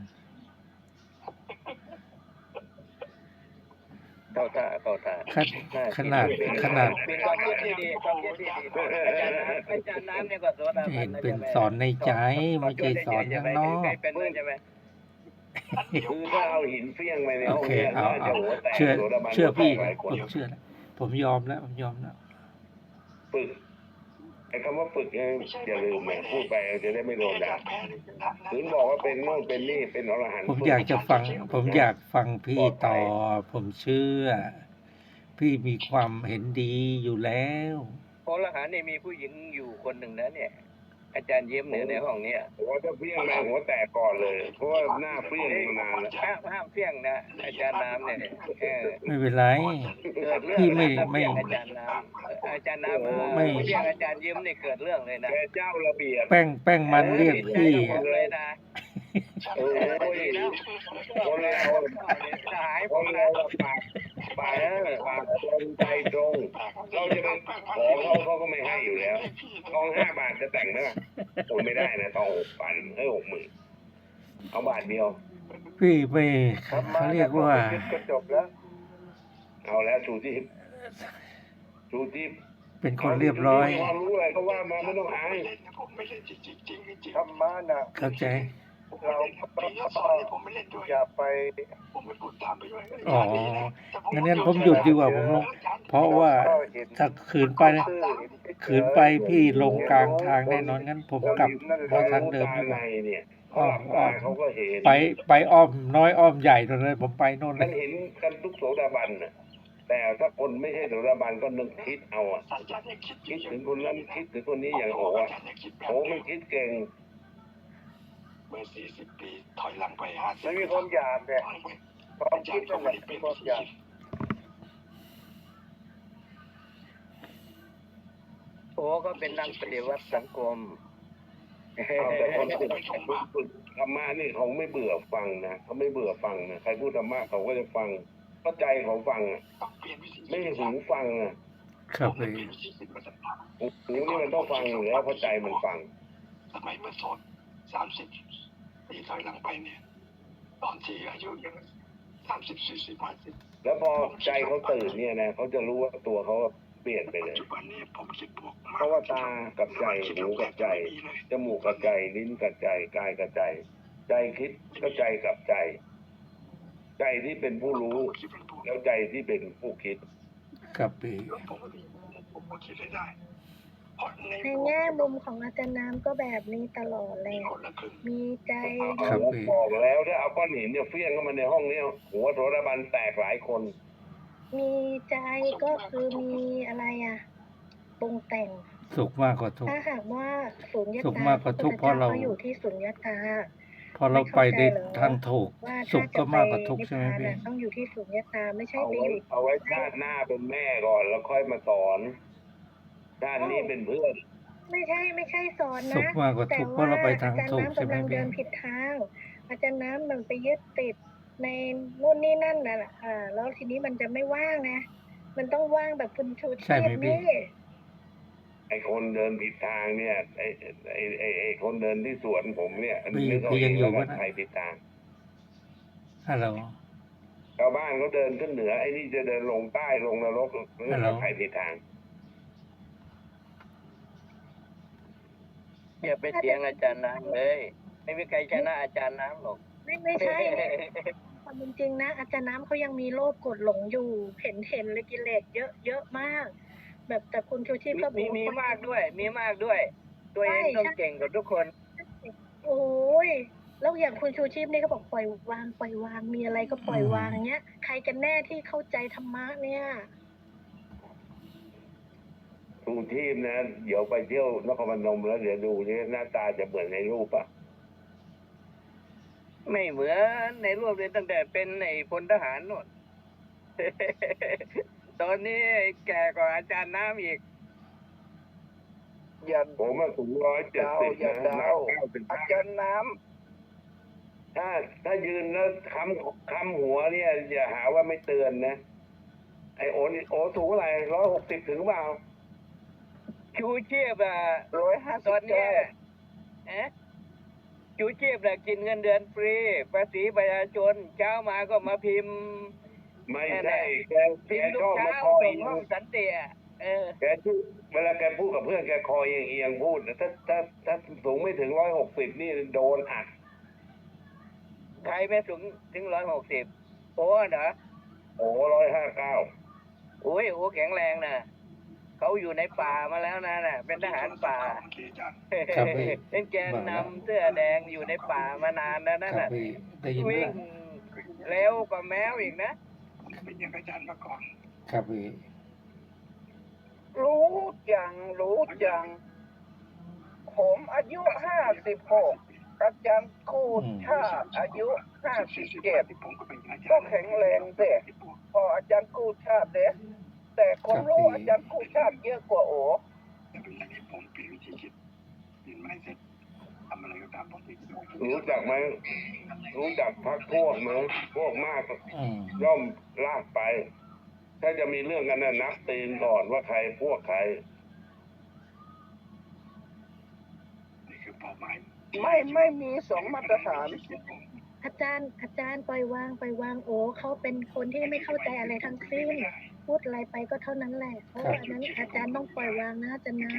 [SPEAKER 1] เข้าท่า
[SPEAKER 4] ขนาด
[SPEAKER 1] เป็นความคิดที่ดีอาจารย์น้ำเนี่ยก็โสดาบั
[SPEAKER 4] เห็
[SPEAKER 1] น
[SPEAKER 4] น
[SPEAKER 1] นะ
[SPEAKER 4] เป็น
[SPEAKER 1] ใช่ไหม
[SPEAKER 4] สอนในใจไม่ใช่สอนข้างนอก
[SPEAKER 1] ใครเป็นด้วยใช่ไหม
[SPEAKER 3] คือถ้าเอาหินเฟี้ยงไปใน
[SPEAKER 4] โอ
[SPEAKER 3] ห้อง
[SPEAKER 4] เค
[SPEAKER 3] เนี่ย
[SPEAKER 4] เอา
[SPEAKER 3] น่าจะหัวแตก
[SPEAKER 4] เชื่อ
[SPEAKER 3] โสดาบัน
[SPEAKER 4] เชื่อพี่
[SPEAKER 3] หลายคน
[SPEAKER 4] ผมเชื่อแล้วผมยอมแล้ว
[SPEAKER 3] ฝึกไอ้คำว่าฝึกเนี่ยอย่าลืมนะพูดไปจะได้ไม่โดนด่าถึงบอกว่าเป็นโน่นเป็นนี่เป็นอรหันต์
[SPEAKER 4] ผมอยากจะฟัง ผมอยากฟังพี่ต่อ ผมเชื่อ พี่มีความเห็นดีอยู่แล้ว
[SPEAKER 1] พระอรหันต์เนี่ยมีผู้หญิงอยู่คนหนึ่งนะเนี่ย อาจารย์เยี่ยมเนี่ยในห้องเนี้ย
[SPEAKER 3] ว่าถ้าเฟี้ยงไปหัวแตกก่อนเลย เพราะว่าหน้าเฟี้ยงมานานแล้ว
[SPEAKER 1] ห้ามเพี้ยงนะอาจารย์น้ำเนี่ย
[SPEAKER 4] ไม่เป็นไร
[SPEAKER 1] เกิดเรื่อง
[SPEAKER 4] พี่ไม่
[SPEAKER 1] เพี้ยงอาจารย์น้ำอาจารย์น้ำ
[SPEAKER 4] ไม่
[SPEAKER 1] เพี้ยงอาจารย์เยี่ยมเนี่ยเกิดเรื่องเลยนะ
[SPEAKER 3] แกเจ้าระเบียบ
[SPEAKER 4] แป้งมันเรียกพี่
[SPEAKER 1] เลยนะ
[SPEAKER 3] โอ้ยคนเรา
[SPEAKER 1] หาย
[SPEAKER 3] คนเราปากตรงใจตรง เราจะไปขอเขาก็ไม่ให้อยู่แล้วทอง5 บาทจะแต่งไหมล่ะโอ้ยไม่ได้นะทอง6,000 60,000เอาบาทเดียว
[SPEAKER 4] พี่ไม่เขาเรียกว่า
[SPEAKER 1] ก็จบแล้ว
[SPEAKER 3] เอาแล้วชูทิพย์
[SPEAKER 4] เป็นคนเรียบร้อย
[SPEAKER 3] ความรู้อะไรก็ว่ามาไม่ต้องอาย
[SPEAKER 5] ผมไม่เล่นจริงๆ
[SPEAKER 1] ธรรมะน่ะ
[SPEAKER 4] เข้าใจ
[SPEAKER 5] เราปีละสอนเนี่ยผมไม่เล่นด้วย
[SPEAKER 1] อย่าไป
[SPEAKER 5] ผมไม่พูดตามไปด้วย
[SPEAKER 4] อ๋องั้นผมหยุดดีกว่าผมลง เพราะว่าถ้าขืนไปพี่ลงกลางทางแน่นอนงั้นผมกลับมาทางเดิมดีกว่า
[SPEAKER 3] เนี่ยเขาหลับตาเขาก็เห็น
[SPEAKER 4] ไปอ้อมน้อยอ้อมใหญ่ตรงนั้นผมไปโน่นเล
[SPEAKER 3] มัน
[SPEAKER 4] ย
[SPEAKER 3] เห็นกันทุกโสดาบันน่ะแต่ถ้าคนไม่ใช่โสดาบันก็นึกคิดเอาอ่ะ
[SPEAKER 5] อาจารย์ยังคิด
[SPEAKER 3] คิดถึงคนนั้นคิดถึงคนนี้อย่างโอ้อะโอ้มันคิดเก่ง
[SPEAKER 5] เมื่อ40 ปีถอยหลังไป50
[SPEAKER 1] มันมีความอยากเนี่ยความคิด
[SPEAKER 5] ก็
[SPEAKER 1] มัน
[SPEAKER 5] ไม่ได้เป็น
[SPEAKER 1] ความอยากโอ้ก็เป็นนักปฏิวัติสังคม
[SPEAKER 3] เอาแต่คนฝึกธรรมะนี่เขาไม่เบื่อฟังนะเขาไม่เบื่อฟังนะใครพูดธรรมะเขาก็จะฟังเข้าใจเขาฟังอ่ะ
[SPEAKER 5] ต้องเปลี่ยนวิธี
[SPEAKER 3] ไม่ใช่หูฟังอ่ะ
[SPEAKER 4] ครับ
[SPEAKER 5] เป
[SPEAKER 4] เล
[SPEAKER 5] ลี่ย
[SPEAKER 4] ย
[SPEAKER 5] นวิธีคิดมาตั้งนาน
[SPEAKER 3] หูนี่มันต้องฟังอยู่แล้วเข้าใจมันฟัง
[SPEAKER 5] สมัยเมื่อสอน30 ปีถอยหลังไปเนี่ย ตอนที่อายุยัง30 40 50
[SPEAKER 3] แล้วพอใจเขาตื่นเนี่ยนะเขาจะรู้ว่าตัวเขาเปลี่ยนไปเล
[SPEAKER 5] ปัจ
[SPEAKER 3] ย
[SPEAKER 5] จุบันนี้ผมคิดบวกมาก
[SPEAKER 3] เพราะว่าตากับใจหูกับใจจมูกกับใจลิ้นกับใจกายกับใจ ใจคิดก็ใจกับใจ ใจที่เป็นผู้รู้
[SPEAKER 5] คิดเป็นบวก
[SPEAKER 3] แล้วใจที่เป็นผู้คิด
[SPEAKER 4] ครับพี่
[SPEAKER 5] ผมก็คิดได้เพราะใน
[SPEAKER 6] ในแง่มุมของอาจารย์น้ำก็แบบนี้ตลอดเลย
[SPEAKER 5] คนละครึ่ง
[SPEAKER 6] มีใจ
[SPEAKER 4] ครับพี่
[SPEAKER 3] บอกแล้วถ้าเอาก้อนหินเนี่ยเฟี้ยงเข้ามาในห้องเนี้หัวโสดาบันแตกหลายคน
[SPEAKER 6] มีใจก็คือมีอะไรอะปรุงแต่ง
[SPEAKER 4] สุขมากกว่าทุกข์
[SPEAKER 6] ถ้าหากว่าสุญญ
[SPEAKER 4] สุข
[SPEAKER 6] ตาม
[SPEAKER 4] ากกว่าทุกข์เพราะเรา
[SPEAKER 6] ก็อยู่ที่สุญญตา
[SPEAKER 4] พอเราไปในทางถูก
[SPEAKER 6] ว่า
[SPEAKER 4] สุ
[SPEAKER 6] ถ้า
[SPEAKER 4] ข
[SPEAKER 6] จะ
[SPEAKER 4] ก็
[SPEAKER 6] ไป
[SPEAKER 4] มากกว่าทุกข์
[SPEAKER 6] นิพ
[SPEAKER 4] ใช่ไหม
[SPEAKER 6] พาน
[SPEAKER 4] พี่
[SPEAKER 6] อะต้องอยู่ที่สุญญตาไม่ใช่ไปอยู่
[SPEAKER 3] เอาไว้ชาติหน้าเป็นแม่ก่อนแล้วค่อยมาสอนชาตินี้เป็นเพื่อน
[SPEAKER 6] ไม่ใช่สอน
[SPEAKER 4] สุข
[SPEAKER 6] นะ
[SPEAKER 4] มากกว่า
[SPEAKER 6] แต่
[SPEAKER 4] ทุกข์เพ
[SPEAKER 6] ว่า
[SPEAKER 4] ราะเราไปทาง
[SPEAKER 6] อาจารย์
[SPEAKER 4] ถูก
[SPEAKER 6] น้ำ
[SPEAKER 4] ใช่ไหม
[SPEAKER 6] กำลัง
[SPEAKER 4] พี่
[SPEAKER 6] เดินผิดทาง อาจารย์น้ำมันไปยึดติดในนู่นนี่นั่นน่ะแล้วทีนี้มันจะไม่ว่างนะ มันต้องว่างแบบคุณชูชี
[SPEAKER 4] ใช่ไหม
[SPEAKER 6] พ
[SPEAKER 4] พี่
[SPEAKER 6] นี่
[SPEAKER 3] ไอ้คนเดินผิดทางเนี่ยไอ้คนเดินที่สวนผมเนี่ย
[SPEAKER 4] พี่
[SPEAKER 3] นึกเอา
[SPEAKER 4] พี่
[SPEAKER 3] เอ
[SPEAKER 4] ยัง งอยู่
[SPEAKER 3] แล้ว
[SPEAKER 4] ปะ
[SPEAKER 3] กัน
[SPEAKER 4] นะ
[SPEAKER 3] ใครผิดทาง
[SPEAKER 4] ฮัลโหล
[SPEAKER 3] ชาวบ้านเขาเดินขึ้นเหนือไอ้นี่จะเดินลงใต้ลงนรกเรื่อง
[SPEAKER 4] ฮัลโหล
[SPEAKER 3] ใครผิดทาง
[SPEAKER 1] อย่าไปเถียงอาจารย์น้ำเลย ไม่มีใครชนะอาจารย์น้ำหรอก
[SPEAKER 6] ไม่ใช่ ความเป็นจริงนะอาจารย์น้ำเขายังมีโลภกดหลงอยู่ เห็นเลยกิเลสเยอะมาก แบบแต่คุณชูชีพก็บอก
[SPEAKER 1] มีมากด้วย ตัวเองต้องเก่งกว่าทุกคน
[SPEAKER 6] โอ้ยแล้วอย่างคุณชูชีพนี่ก็บอกปล่อยวางปล่อยวางมีอะไรก็ปล่อยวางเงี้ยใครกันแน่ที่เข้าใจธรรมะเนี่ย
[SPEAKER 3] ทูทีมนะเดี๋ยวไปเที่ยวนครพนมแล้วเดี๋ยวดูนี่หน้าตาจะเหมือนในรูปอ่ะ
[SPEAKER 1] ไม่เหมือนในรูปเลยตั้งแต่เป็นในพลทหารโน่น ตอนนี้แก่กว่าอาจารย์น้ำอีก
[SPEAKER 2] อย่า
[SPEAKER 3] ผมว่าสูง170
[SPEAKER 2] อย่า
[SPEAKER 3] นะ
[SPEAKER 2] เดา
[SPEAKER 3] 195
[SPEAKER 2] อาจารย์น้
[SPEAKER 3] ถ้ายืนแล้วค้ำหัวเนี่ยอย่าหาว่าไม่เตือนนะไอโอนี่โอสูงเท่าไหร่160ถึงเปล่า
[SPEAKER 1] ชูชีพอ่ะ
[SPEAKER 2] ำ
[SPEAKER 1] ตอนเนี้ย
[SPEAKER 2] 159
[SPEAKER 1] ชูชีพน่ะกินเงินเดือนฟรีภาษีประชาชนเช้ามาก็มาพิมพ์
[SPEAKER 3] ไม่ใช่แก
[SPEAKER 1] พิมพ์
[SPEAKER 3] ช
[SPEAKER 1] ทุ
[SPEAKER 3] อก บ
[SPEAKER 1] เช้า
[SPEAKER 3] มาคอย
[SPEAKER 1] ส่งห้องสันติอ่ะ
[SPEAKER 3] แกชื่อเวลาแกพูดกับเพื่อนแกคอยเอียงพูดถ้าสูงไม่ถึง160นี่โดนอัด
[SPEAKER 1] ใครไม่สูงถึง160โอ้เหรอ
[SPEAKER 3] โอ้159
[SPEAKER 1] โอ้ยโอ้แข็งแรงนะเขาอยู่ในป่ามาแล้วนะเป็นทหารป่า
[SPEAKER 4] ครับพี่
[SPEAKER 1] เป็นแกนนำเสื้อแดงอยู่ในป่ามานานแล้วนั่น
[SPEAKER 4] ครับ
[SPEAKER 1] น่ะ
[SPEAKER 4] พี่ได้ยินไหม
[SPEAKER 1] วิ่ง
[SPEAKER 4] ล่ะ
[SPEAKER 1] เร็วกว่าแมวอีกนะ
[SPEAKER 5] เป็นอย่างอาจารย์มาก่อน
[SPEAKER 4] ครับพี่
[SPEAKER 2] รู้จัง ผมอายุ56อาจารย์กูชาติอายุ57
[SPEAKER 5] ผมก็เป็นอาจารย์
[SPEAKER 2] ก็แข็งแรงเด็พออาจารย์กูชาติเด็แต่คนรู้อาจารย์กูชาติเยอะกว่าโอ
[SPEAKER 5] แต่เป็นอย่างนี้ผมเปลี่ยนวิธีคิดเปลี่ยนไม่เสร็จทำอะไรก็ตามผมติด
[SPEAKER 3] รู้จักไหมรู้จักพักพวกไหมพวกมาก
[SPEAKER 4] อืม
[SPEAKER 3] ย่อมลากไป ถ้าจะมีเรื่องกันน่ะนับตีนก่อนว่าใครพวกใคร
[SPEAKER 5] นี่คือเป้าหมาย
[SPEAKER 2] ไม่มีสองมาตรฐาน
[SPEAKER 6] อาจารย์ปล่อยวางโอ้เขาเป็นคนที่ไม่เข้าใจอะไรทั้งสิ้นพูดอะไรไปก็เท่านั้นแหละเพราะอันนั้นอาจารย์ต้องปล่อยวางนะอาจารย์นะ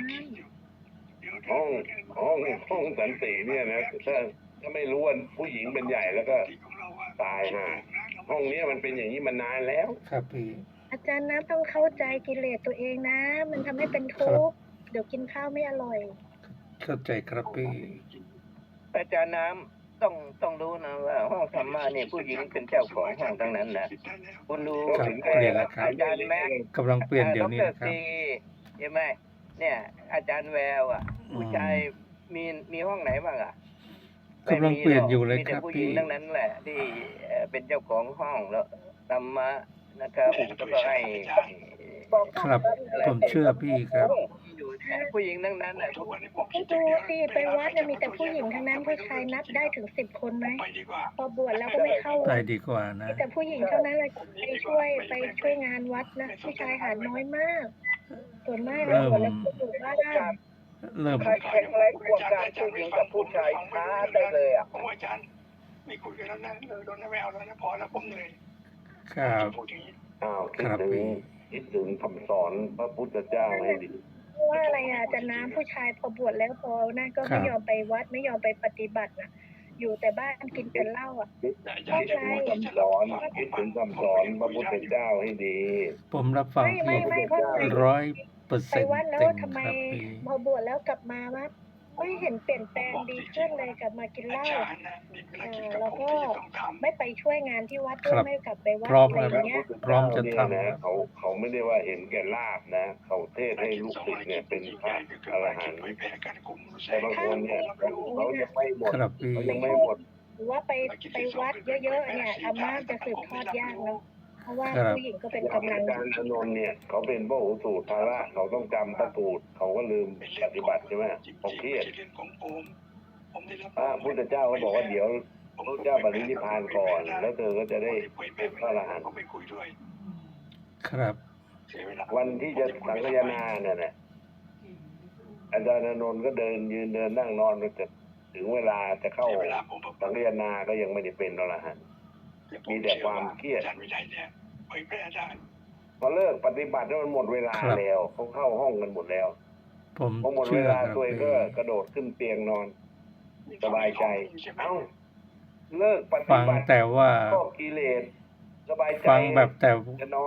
[SPEAKER 3] ห้องสันติเนี่ยนะถ้าไม่รู้ว่าผู้หญิงเป็นใหญ่แล้วก็ตายห่าห้องเนี้ยมันเป็นอย่างนี้มานานแล้ว
[SPEAKER 4] ครับพี่
[SPEAKER 6] อาจารย์นะต้องเข้าใจกิเลสตัวเองนะ มันทำให้เป็นทุกข์เดี๋ยวกินข้าวไม่อร่อย
[SPEAKER 4] เข้าใจครับพี่
[SPEAKER 1] อาจารย์น้ำต้องรู้นะว่าห้องธรรมะเนี่ยผู้หญิงเป็นเจ้าของห้องทั้งนั้นนะคุณดู
[SPEAKER 4] ครับเปลี่ยนแล้วครับ
[SPEAKER 1] อาจารย์แม็ก
[SPEAKER 4] กำลังเปลี่ยนเดี๋ยวนี้
[SPEAKER 1] ด
[SPEAKER 4] นะครับ
[SPEAKER 1] ซีใช่ไหมเนี่ย อาจารย์แววอ่ะ ผู้ชายมีห้องไหนบ้างอ่ะ
[SPEAKER 4] กำลังเปลี่ยนอยู่เลย
[SPEAKER 1] มี
[SPEAKER 4] ค
[SPEAKER 1] แต่
[SPEAKER 4] รับ
[SPEAKER 1] ผู้หญิ
[SPEAKER 4] พี่
[SPEAKER 1] งทั้งนั้นแหละ ที่เป็นเจ้าของห้องแล้วธรรมะนะครับแล้วก็ให้
[SPEAKER 4] ครับผมเชื่อพี่ครับ
[SPEAKER 1] อยู่ผู้หญิงทั้งนั้นแหละ
[SPEAKER 5] ทุกวันนี้ผมคิ
[SPEAKER 6] ดู
[SPEAKER 5] ดอย่างเดียว
[SPEAKER 6] สิไปวัดเนี่ยมีแต่ผู้หญิงทั้งนั้นผู้ชายนับได้ถึง10 คนไหม
[SPEAKER 5] ไปดีกว่า
[SPEAKER 6] พอบวชแล้วก็ไม่เข้า
[SPEAKER 4] ไป
[SPEAKER 6] วัด
[SPEAKER 4] ดีกว่านะ
[SPEAKER 6] มีแต่ผู้หญิงเท่านั้นเลยไปช่วยงานวัดนะผู้ชายหาน้อยมาก ส่วนมากแล้วบวชแล้วก็อยู่บ้าน
[SPEAKER 4] เริ่ม
[SPEAKER 2] ใครแข็งแรงกว่าการผู้หญิงกับผู้ชายท้าได้เลยอ่ะ
[SPEAKER 5] ผมว่าอาจารย์ไม่คุยกันแล้วนะโดนไม่เอาแล้วนะพอแล้วผมเหนื่อย
[SPEAKER 4] ครับ
[SPEAKER 5] พูดอย่างนี้
[SPEAKER 3] อ้าว
[SPEAKER 4] ครับพี่
[SPEAKER 3] คิดถึงคำสอนพระพุทธเจ้าให้ดี
[SPEAKER 6] ว่าอะไรอ่ะจะน้ำผู้ชายพอบวชแล้วพอนั่นก็ไม่ยอมไปวัดไม่ยอมไปปฏิบัตินะอยู่แต่บ้านกินแต่เหล้าอ่ะ
[SPEAKER 3] คิดถึงคำสอนคิดถึงคำสอนพระพุทธเจ้าให้ดี
[SPEAKER 4] ผมรับฟัง
[SPEAKER 6] ไม่
[SPEAKER 4] พี่
[SPEAKER 6] เพราะอะไร
[SPEAKER 4] 100%
[SPEAKER 6] ไปวัดแล้ว
[SPEAKER 4] เต็ม
[SPEAKER 6] ทำไม
[SPEAKER 4] ครับพี่
[SPEAKER 6] พอบวชแล้วกลับมาว่าไม่เห็นเปลี่ยนแปลงดีขึ้นเลยกลับมากินเหล้า
[SPEAKER 5] อาจารย์นะมีภารกิจกับ
[SPEAKER 6] แล้ว
[SPEAKER 5] ผม
[SPEAKER 6] ก็
[SPEAKER 5] ที่จะต้องทำ
[SPEAKER 6] ไม่ไปช่วยงานที่วัดด้ว
[SPEAKER 4] ครั
[SPEAKER 6] ย
[SPEAKER 4] บ
[SPEAKER 6] ไม่กลับไปวัด
[SPEAKER 4] พร้อม
[SPEAKER 6] อะไร
[SPEAKER 4] ครับ
[SPEAKER 6] เงี้ย
[SPEAKER 4] พร้อมจะทำ
[SPEAKER 3] เนี่ยนะเขาไม่ได้ว่าเห็นแก่ลาบนะ เขาเทศให้ลูกศิษย์เนี่ยเป็นพระอรหันต์ แต่บางคนเนี่ยเขายังไม่หมด
[SPEAKER 4] ครับพี่
[SPEAKER 3] เขายังไม่หมด
[SPEAKER 6] หรือว่าไปวัดเยอะๆเนี่ยธรรมะจะสืบทอดยากเนาะเพราะว่า
[SPEAKER 4] ครับ
[SPEAKER 6] ผู้หญิงก็เป็นกำลัง
[SPEAKER 3] อาจารย์อานนท์เนี่ยเขาเป็นพระหูสูตรภาระเขาต้องจำพระสูตรเขาก็ลืมปฏิบัติใช่ไหมเขาเครียด
[SPEAKER 5] ผมได้รับ
[SPEAKER 3] พระพุทธเจ้าก็บอกว่าเดี๋ยวพระเจ้าปรินิพพานก่อน แล้วเธอก็จะได้เป็นพระอรหันต์
[SPEAKER 5] ผมไปคุยด้วย
[SPEAKER 4] ครับ
[SPEAKER 5] เสียเวลา
[SPEAKER 3] วันที่จะสังฆยนาเนี่ยนะอาจารย์อานนท์ก็เดินยืนเดินนั่งนอนก็จะถึงเวลาจะเข้า
[SPEAKER 5] เสียเวลาผม
[SPEAKER 3] สังฆยนาก็ยังไม่ได้เป็นอรหันต์ มีแต่ความเครียด
[SPEAKER 5] อาจารย์วินัยเนี่ยเผยแพร่ได้
[SPEAKER 3] พอเลิกปฏิบัติแล้วมันหมดเวลา
[SPEAKER 4] ครับ
[SPEAKER 3] แล้วเขาเข้าห้องกันหมดแล้ว
[SPEAKER 4] ผม
[SPEAKER 3] พอหมดเว
[SPEAKER 4] เชื่อ
[SPEAKER 3] ลา
[SPEAKER 4] ครับ
[SPEAKER 3] ตัวเองก็
[SPEAKER 4] พี่
[SPEAKER 3] กระโดดขึ้นเตียงนอน สบายใจ เอ้า เลิกปฏิ
[SPEAKER 4] ฟัง
[SPEAKER 3] บัติ
[SPEAKER 4] แต่ว่า
[SPEAKER 3] ก็กิเลสสบายใจ
[SPEAKER 4] ฟังแบบแต่
[SPEAKER 3] จะนอน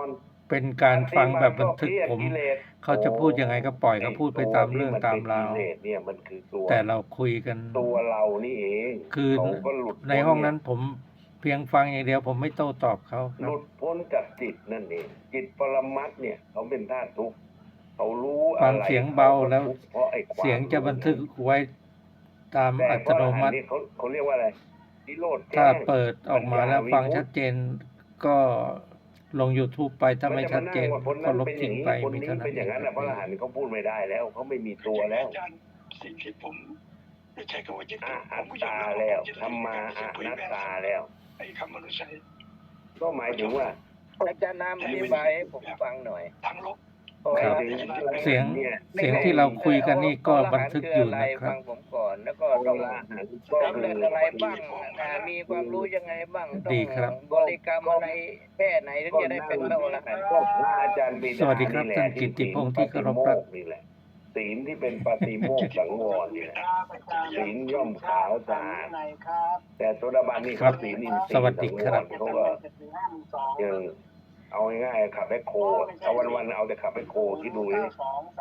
[SPEAKER 4] เป็นการฟังแบบบันทึกผมเขาจะพูดยังไงก็ปล่อยเขาพูดไปตามเรื่องตามราว
[SPEAKER 3] เนี่ยมันคือตัว
[SPEAKER 4] แต่เราคุยกัน
[SPEAKER 3] ตัวเรานี่เอง
[SPEAKER 4] คือ
[SPEAKER 3] เขาก็หลุด
[SPEAKER 4] ในห้องนั้นผมเพียงฟังอย่างเดียวผมไม่โต้ตอบเขาค
[SPEAKER 3] ห
[SPEAKER 4] รับ
[SPEAKER 3] ลุดพ้นจากจิตนั่นเองจิตปรมัตถ์เนี่ยเขาเป็นธาตุทุกข์เขารู้
[SPEAKER 4] ฟั
[SPEAKER 3] อะ
[SPEAKER 4] ง
[SPEAKER 3] ไร
[SPEAKER 4] เสียงเบาแล้ว
[SPEAKER 3] เพราะไอ้ความ
[SPEAKER 4] เสียงจะบันทึกไว้ตาม
[SPEAKER 3] แต่
[SPEAKER 4] อั
[SPEAKER 3] พ
[SPEAKER 4] ต
[SPEAKER 3] ระอ
[SPEAKER 4] โน
[SPEAKER 3] รหั
[SPEAKER 4] มั
[SPEAKER 3] นต์
[SPEAKER 4] ติ
[SPEAKER 3] นี่เขาเรียกว่าอะไรนิโรธแจ้ง
[SPEAKER 4] ถ้าเปิดออกมาแล้วฟัง
[SPEAKER 3] ปัญญาวิมุตติ
[SPEAKER 4] ชัดเจนก็ลง YouTube ไปถ้าไม่ชัดเจน
[SPEAKER 3] ก็จะมานั่งว่าคน
[SPEAKER 4] ก็
[SPEAKER 3] นั้น
[SPEAKER 4] ลบ
[SPEAKER 3] เป็นอ
[SPEAKER 4] ทิ้
[SPEAKER 3] ย่าง งนี้
[SPEAKER 4] ไป
[SPEAKER 3] คน
[SPEAKER 4] มี
[SPEAKER 3] นี้
[SPEAKER 4] เท่านั้น
[SPEAKER 3] เป็นอย่างนั้นนะพระอรหันต์เขาพูดไม่ได้แล้วเขาไม่มีตัวแล้ว
[SPEAKER 5] อาจารย์สิ่งที่ผมไม่ใช่คำว่ายึด
[SPEAKER 3] อะ
[SPEAKER 5] ผมก็ย
[SPEAKER 3] ตา
[SPEAKER 5] อมรับ
[SPEAKER 3] แล้ว
[SPEAKER 5] ผมยึด
[SPEAKER 3] ธรรมาอะนัตตาแล้ว
[SPEAKER 5] ไอ้คำมนุษย์
[SPEAKER 3] ก็หมายถึงว่า
[SPEAKER 1] อาจารย์น้ำอธิบายให้ผมฟังหน่อย
[SPEAKER 5] ทั้งลบ
[SPEAKER 4] ครับ
[SPEAKER 3] หมายถึง
[SPEAKER 4] เสียง
[SPEAKER 3] เนี่ย
[SPEAKER 4] เสียงที่เราคุยกันนี่ก็บันทึกอยู่นะครั
[SPEAKER 1] ฟั
[SPEAKER 4] บ
[SPEAKER 1] งผมก่อนแล้วก็
[SPEAKER 3] พ
[SPEAKER 1] ต้อง
[SPEAKER 3] ระอรหันต์ก็
[SPEAKER 1] สำ
[SPEAKER 3] คื
[SPEAKER 1] เร็จ
[SPEAKER 3] อ
[SPEAKER 1] อะไรบ้างมีความรู้ยังไงบ้างต้อ
[SPEAKER 4] ดี
[SPEAKER 1] ง
[SPEAKER 4] ครับ
[SPEAKER 1] บริกรรมอะไรแค่ไหนถึงจะได้เป็นพระอรหันต์
[SPEAKER 3] ก็พระอาจารย์ปิดา
[SPEAKER 4] สวัสดีครับ
[SPEAKER 3] แหละ
[SPEAKER 4] ท่านกิตติพงษ์ที่เคารพรัก
[SPEAKER 3] นี่แหละศีลที่เป็นปฏิโมกข์สังวรนี่แหละศีลย่อมขาวสะอาดแต่โสดาบันนี่
[SPEAKER 4] ครับ
[SPEAKER 3] เขาศีลอินทรีย์
[SPEAKER 4] สวัสดีครับ
[SPEAKER 3] เขาก็ยังเอาง่ายๆขับแบคโคเอาวันๆเอาแต่ขับแบคโคที่ดูนี่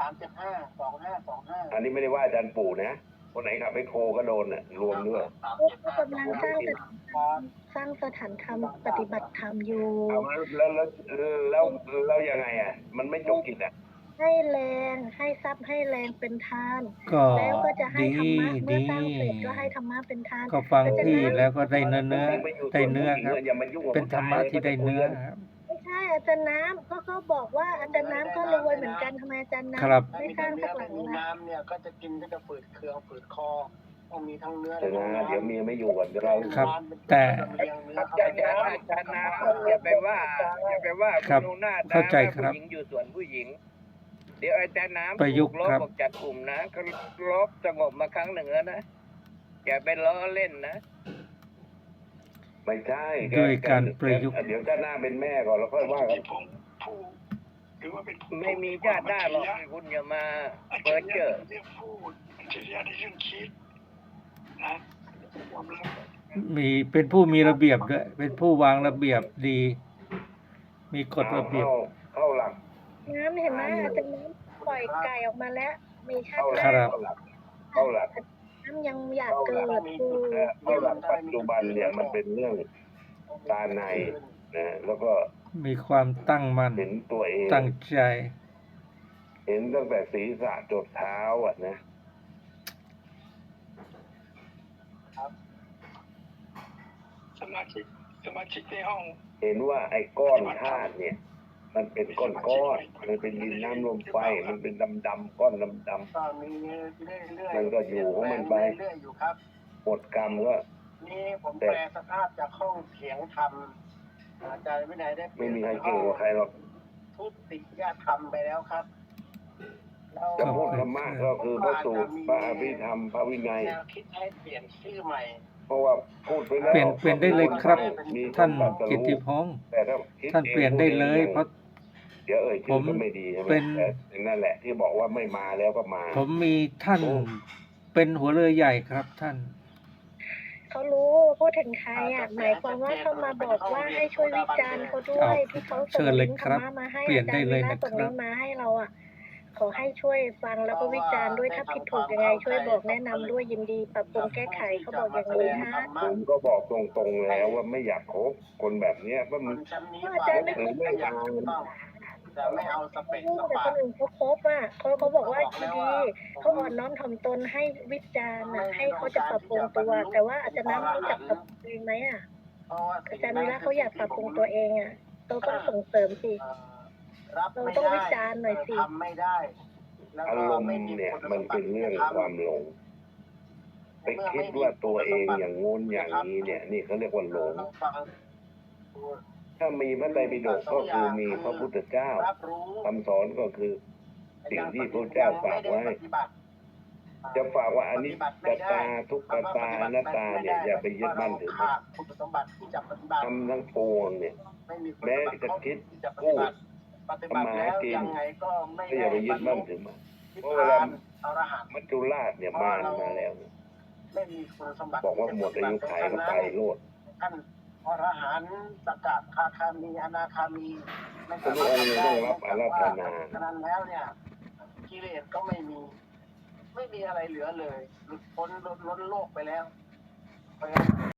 [SPEAKER 3] อันนี้ไม่ได้ว่าอาจารย์ปู่นะคนไหนขับแบคโคก็โดนน่ะรวมด้วย
[SPEAKER 6] ก็กำลังสร้างสถานธรรมปฏิบัติธรรมอยู่
[SPEAKER 3] เอาแล้วยังไงอ่ะ มันไม่จบกิจอ่ะ
[SPEAKER 6] ให้แรงให้ทรัพย์ให้แรงเป็นทาน
[SPEAKER 4] ก็
[SPEAKER 6] แล้วก็จะให้
[SPEAKER 4] ดี
[SPEAKER 6] ธรรมะเมื่อ
[SPEAKER 4] ดี
[SPEAKER 6] สร้างเสร็จก็ให้ธรรมะเป็นทาน
[SPEAKER 4] ก็ฟัง
[SPEAKER 6] อาจารย์
[SPEAKER 4] พี่
[SPEAKER 6] นะ
[SPEAKER 4] แล้วก็ได้เนื้อได้เนื้อครับ
[SPEAKER 3] อย่ามายุ่งกับ
[SPEAKER 4] เป็นธรรมะที่ได้เนื้อครับ
[SPEAKER 6] ไม่ใช่อาจารย์น้ำก็เขาบอกว่าอาจารย์น้ำก็รวยเหมือนกันทำไมอาจารย์น้ำ
[SPEAKER 4] ครับ
[SPEAKER 6] ไม่สร้างสักหลัง
[SPEAKER 7] มี
[SPEAKER 6] ละ
[SPEAKER 7] น้ำเนี่ยก็จะกินก็จะฝืดเคืองฝืดคอต้องมีทั้งเนื้อ
[SPEAKER 3] แต่นะเดี๋ยวเมียไม่อยู่ก่อนเดี๋ยวเรา
[SPEAKER 4] ครับแต่
[SPEAKER 1] อาจารย์น้ำอย่าไปว่า
[SPEAKER 4] ครับ
[SPEAKER 1] ณดูหน้าตา
[SPEAKER 4] เข้าใจครับ
[SPEAKER 1] ผู้หญิงอยู่ส่วนผู้หญิง เดี๋ยวอาจารย์น้ำ
[SPEAKER 4] ประยุกต์
[SPEAKER 1] ถูลบ
[SPEAKER 4] ครับ
[SPEAKER 1] ออกจากกลุ่มนะก็ลบสงบมาครั้งหนึ่งแล้วนะอย่าไปล้อเล่นนะ
[SPEAKER 3] ไม่ใช่
[SPEAKER 4] ด้วยการประยุกต์
[SPEAKER 3] เดี๋ยวชาติหน้าเป็นแม่ก่อนแล้วค่อยว่ากัน
[SPEAKER 5] ที่ผมผู้หรือว่าเป็นผู้
[SPEAKER 1] ไม่มีญาติได้หรอกคุณอย่ามาเปิดเจอ
[SPEAKER 5] เรื่องพูดอัจฉริยะในเรื่องคิดนะยอมรับ
[SPEAKER 4] มีเป็นผู้มีระเบียบด้วยเป็นผู้วางระเบียบดี มีกฎระเบียบ
[SPEAKER 3] เข้าหลัก
[SPEAKER 6] น้ำเห็นไหมอาจารย์น้ำปล่อยไก่ออกมาแล้ว มีชาติ
[SPEAKER 4] ครั
[SPEAKER 6] หน้า
[SPEAKER 4] บ
[SPEAKER 3] เข้าหลัก
[SPEAKER 6] น้ำยังอยากเกิดคือ
[SPEAKER 3] เข้าหลักปัจจุบันเนี่ยมันเป็นเรื่องตาในนะแล้วก็
[SPEAKER 4] มีความตั้งมั่น
[SPEAKER 3] เห็นตัวเอง
[SPEAKER 4] ตั้งใจ
[SPEAKER 3] เห็นตั้งแต่ศีรษะจดเท้าอ่ะนะ
[SPEAKER 5] สมาชิกในห้อง
[SPEAKER 3] เห็นว่าไอ้ก้อนธาตุเนี่ย มันเป็นก้อนมันเป็นดินน้ำลมไฟ มันเป็นดำๆก้อนดำ
[SPEAKER 7] ก็มีเรื่อยๆ
[SPEAKER 3] มันก็อยู่ของมันไป
[SPEAKER 7] เรื่อยๆอยู่ครับ
[SPEAKER 3] ๆหมดกรรมก็
[SPEAKER 7] นี่ผมแปลสภาพจากห้องเถียงธรรมอาจารย์วินัยได้
[SPEAKER 3] ไม่มีใครเก่งกว่าใครหรอก
[SPEAKER 7] ทุติยธรรมไปแล้วครับแล้ว
[SPEAKER 3] จะพูดธรรมะก็คือพระสูตรพระอภิธรรมพระวินัย
[SPEAKER 7] แนวคิดให้เปลี่ยนชื่อใหม่
[SPEAKER 3] เพราะว่าพูดไปแล้ว
[SPEAKER 4] เปลี่ยนได้เลยครับ
[SPEAKER 3] มี
[SPEAKER 4] ท่าน
[SPEAKER 3] สมบัติ
[SPEAKER 4] กิตติพ
[SPEAKER 3] รู้
[SPEAKER 4] งษ์
[SPEAKER 3] แต่ถ้าคิด
[SPEAKER 4] ท่านเปลี่ยนได้เลย เพราะ
[SPEAKER 3] เดี๋ยวเอ่ยชื่อก็ไม่ดีใช่ไหม
[SPEAKER 4] เป็น
[SPEAKER 3] แต่นั่นแหละที่บอกว่าไม่มาแล้วก็มา
[SPEAKER 4] ผมมีท่านเป็นหัวเรือใหญ่ครับท่าน
[SPEAKER 6] เขารู้พูดถึงใครอ่ะหมายความว่าเขามาบอกว่าให้ช่วยวิจารณ์เขาด้วยที่เขา
[SPEAKER 4] เชิ
[SPEAKER 6] ส่ง
[SPEAKER 4] ญเล
[SPEAKER 6] ลิ
[SPEAKER 4] ย
[SPEAKER 6] งก์
[SPEAKER 4] ค
[SPEAKER 6] ธ
[SPEAKER 4] รั
[SPEAKER 6] ร
[SPEAKER 4] บ
[SPEAKER 6] รมะมาให้
[SPEAKER 4] เปลี่ยน
[SPEAKER 6] อาจา
[SPEAKER 4] ได้
[SPEAKER 6] รย์
[SPEAKER 4] เล
[SPEAKER 6] วี
[SPEAKER 4] ย
[SPEAKER 6] ระ
[SPEAKER 4] นะ
[SPEAKER 6] ส่ง
[SPEAKER 4] ครั
[SPEAKER 6] ลิ
[SPEAKER 4] บ
[SPEAKER 6] งก์มาให้เราอ่ะขอให้ช่วยฟังแล้วก็วิจารณ์ด้วยถ้าผิดถูกยังไงช่วยบอกแนะนำด้วยยินดีปรับปรุงแก้ไขเขาบอกอย่างนี้ฮะ
[SPEAKER 3] ผมก็บอกตรงๆแล้วว่าไม่อยากคบคนแบบเนี้ยว่า
[SPEAKER 7] ค
[SPEAKER 3] มัน
[SPEAKER 7] นชั้นนี้
[SPEAKER 6] อาจารย์ไม่
[SPEAKER 7] ฝ่ายไม่อยากถูกต้องจะไม่เอาสเปก
[SPEAKER 6] รู้
[SPEAKER 7] ส
[SPEAKER 6] แต่
[SPEAKER 7] ปา
[SPEAKER 6] คนอื่นเขาคบอ่ะเขาบอกว่าดีเขาอ่อนน้อมถ่อมตนให้วิจารณ์น่ะให้เขาจะปรับปรุงตัว แต่ว่าอาจารย์น้ำรู้จักปรับปรุงตัวเองไหมอ่ะ
[SPEAKER 7] เพราะว่า
[SPEAKER 6] อาจารย์วีระเขาอยากปรับปรุงตัวเองอ่ะเราต้องส่งเสริมสิ
[SPEAKER 7] รับไม่
[SPEAKER 6] เราต้อง
[SPEAKER 7] ได้
[SPEAKER 6] วิจารณ์หน่อยสิ
[SPEAKER 7] ทำไม่ได้แล้ว
[SPEAKER 3] อา
[SPEAKER 7] ก็
[SPEAKER 3] รมณ์
[SPEAKER 7] ไม่มี
[SPEAKER 3] เนี่ย
[SPEAKER 7] คุณ
[SPEAKER 3] มันเป็นเรื่องความหลง ไปคิดว่าตัวเองอย่างงู้นอย่างนี้เนี่ย นี่เขาเรียกว่าหลง
[SPEAKER 7] ต้องฟัง
[SPEAKER 3] ถ้ามีพระไตรปิฎกก็คือมีพระพุทธเจ้า
[SPEAKER 7] รับรู้
[SPEAKER 3] คำสอนก็คือสิ่งที่พระเจ้าฝากไว้ จะฝากว่าอนิจจตาทุกขตาอนัตตาเนี่ยอย่าไปยึดมั่นถือมั่น
[SPEAKER 7] คุณสมบัติที่จะปฏิบัติ
[SPEAKER 3] ทำทั้งปวงเนี่ย
[SPEAKER 7] ไม่มีคุณ
[SPEAKER 3] แม้
[SPEAKER 7] สมบัติ
[SPEAKER 3] จะคิด
[SPEAKER 7] ที่จะป
[SPEAKER 3] พู
[SPEAKER 7] ฏิ
[SPEAKER 3] ด
[SPEAKER 7] บัติปฏิบัติแล้ว
[SPEAKER 3] ทำมาหากิน
[SPEAKER 7] ยังไงก็ไม่
[SPEAKER 3] ก็อย่าไปยึดมั่นถือมั่น
[SPEAKER 7] นิพ
[SPEAKER 3] เพราะเวลา
[SPEAKER 7] พานอรหันต์
[SPEAKER 3] มัจจุราชเนี่ยมาแล้ว
[SPEAKER 7] ไม่มีคุณสมบัติ
[SPEAKER 3] บอกว่าหมดอายุไขก็ไปโลด
[SPEAKER 7] ท่านพอรหันต์สกัดคาคามีอนาคามีไม่
[SPEAKER 3] ทุ
[SPEAKER 7] สาก มารถ
[SPEAKER 3] องค์
[SPEAKER 7] ทำ
[SPEAKER 3] ต้
[SPEAKER 7] ได้
[SPEAKER 3] องรับอาราธนา
[SPEAKER 7] ฉะนั้นแล้วเนี่ยกิเลสก็ไม่มีอะไรเหลือเลยหลุดพ้นล้นโลกไปแล้วเพราะฉะนั้น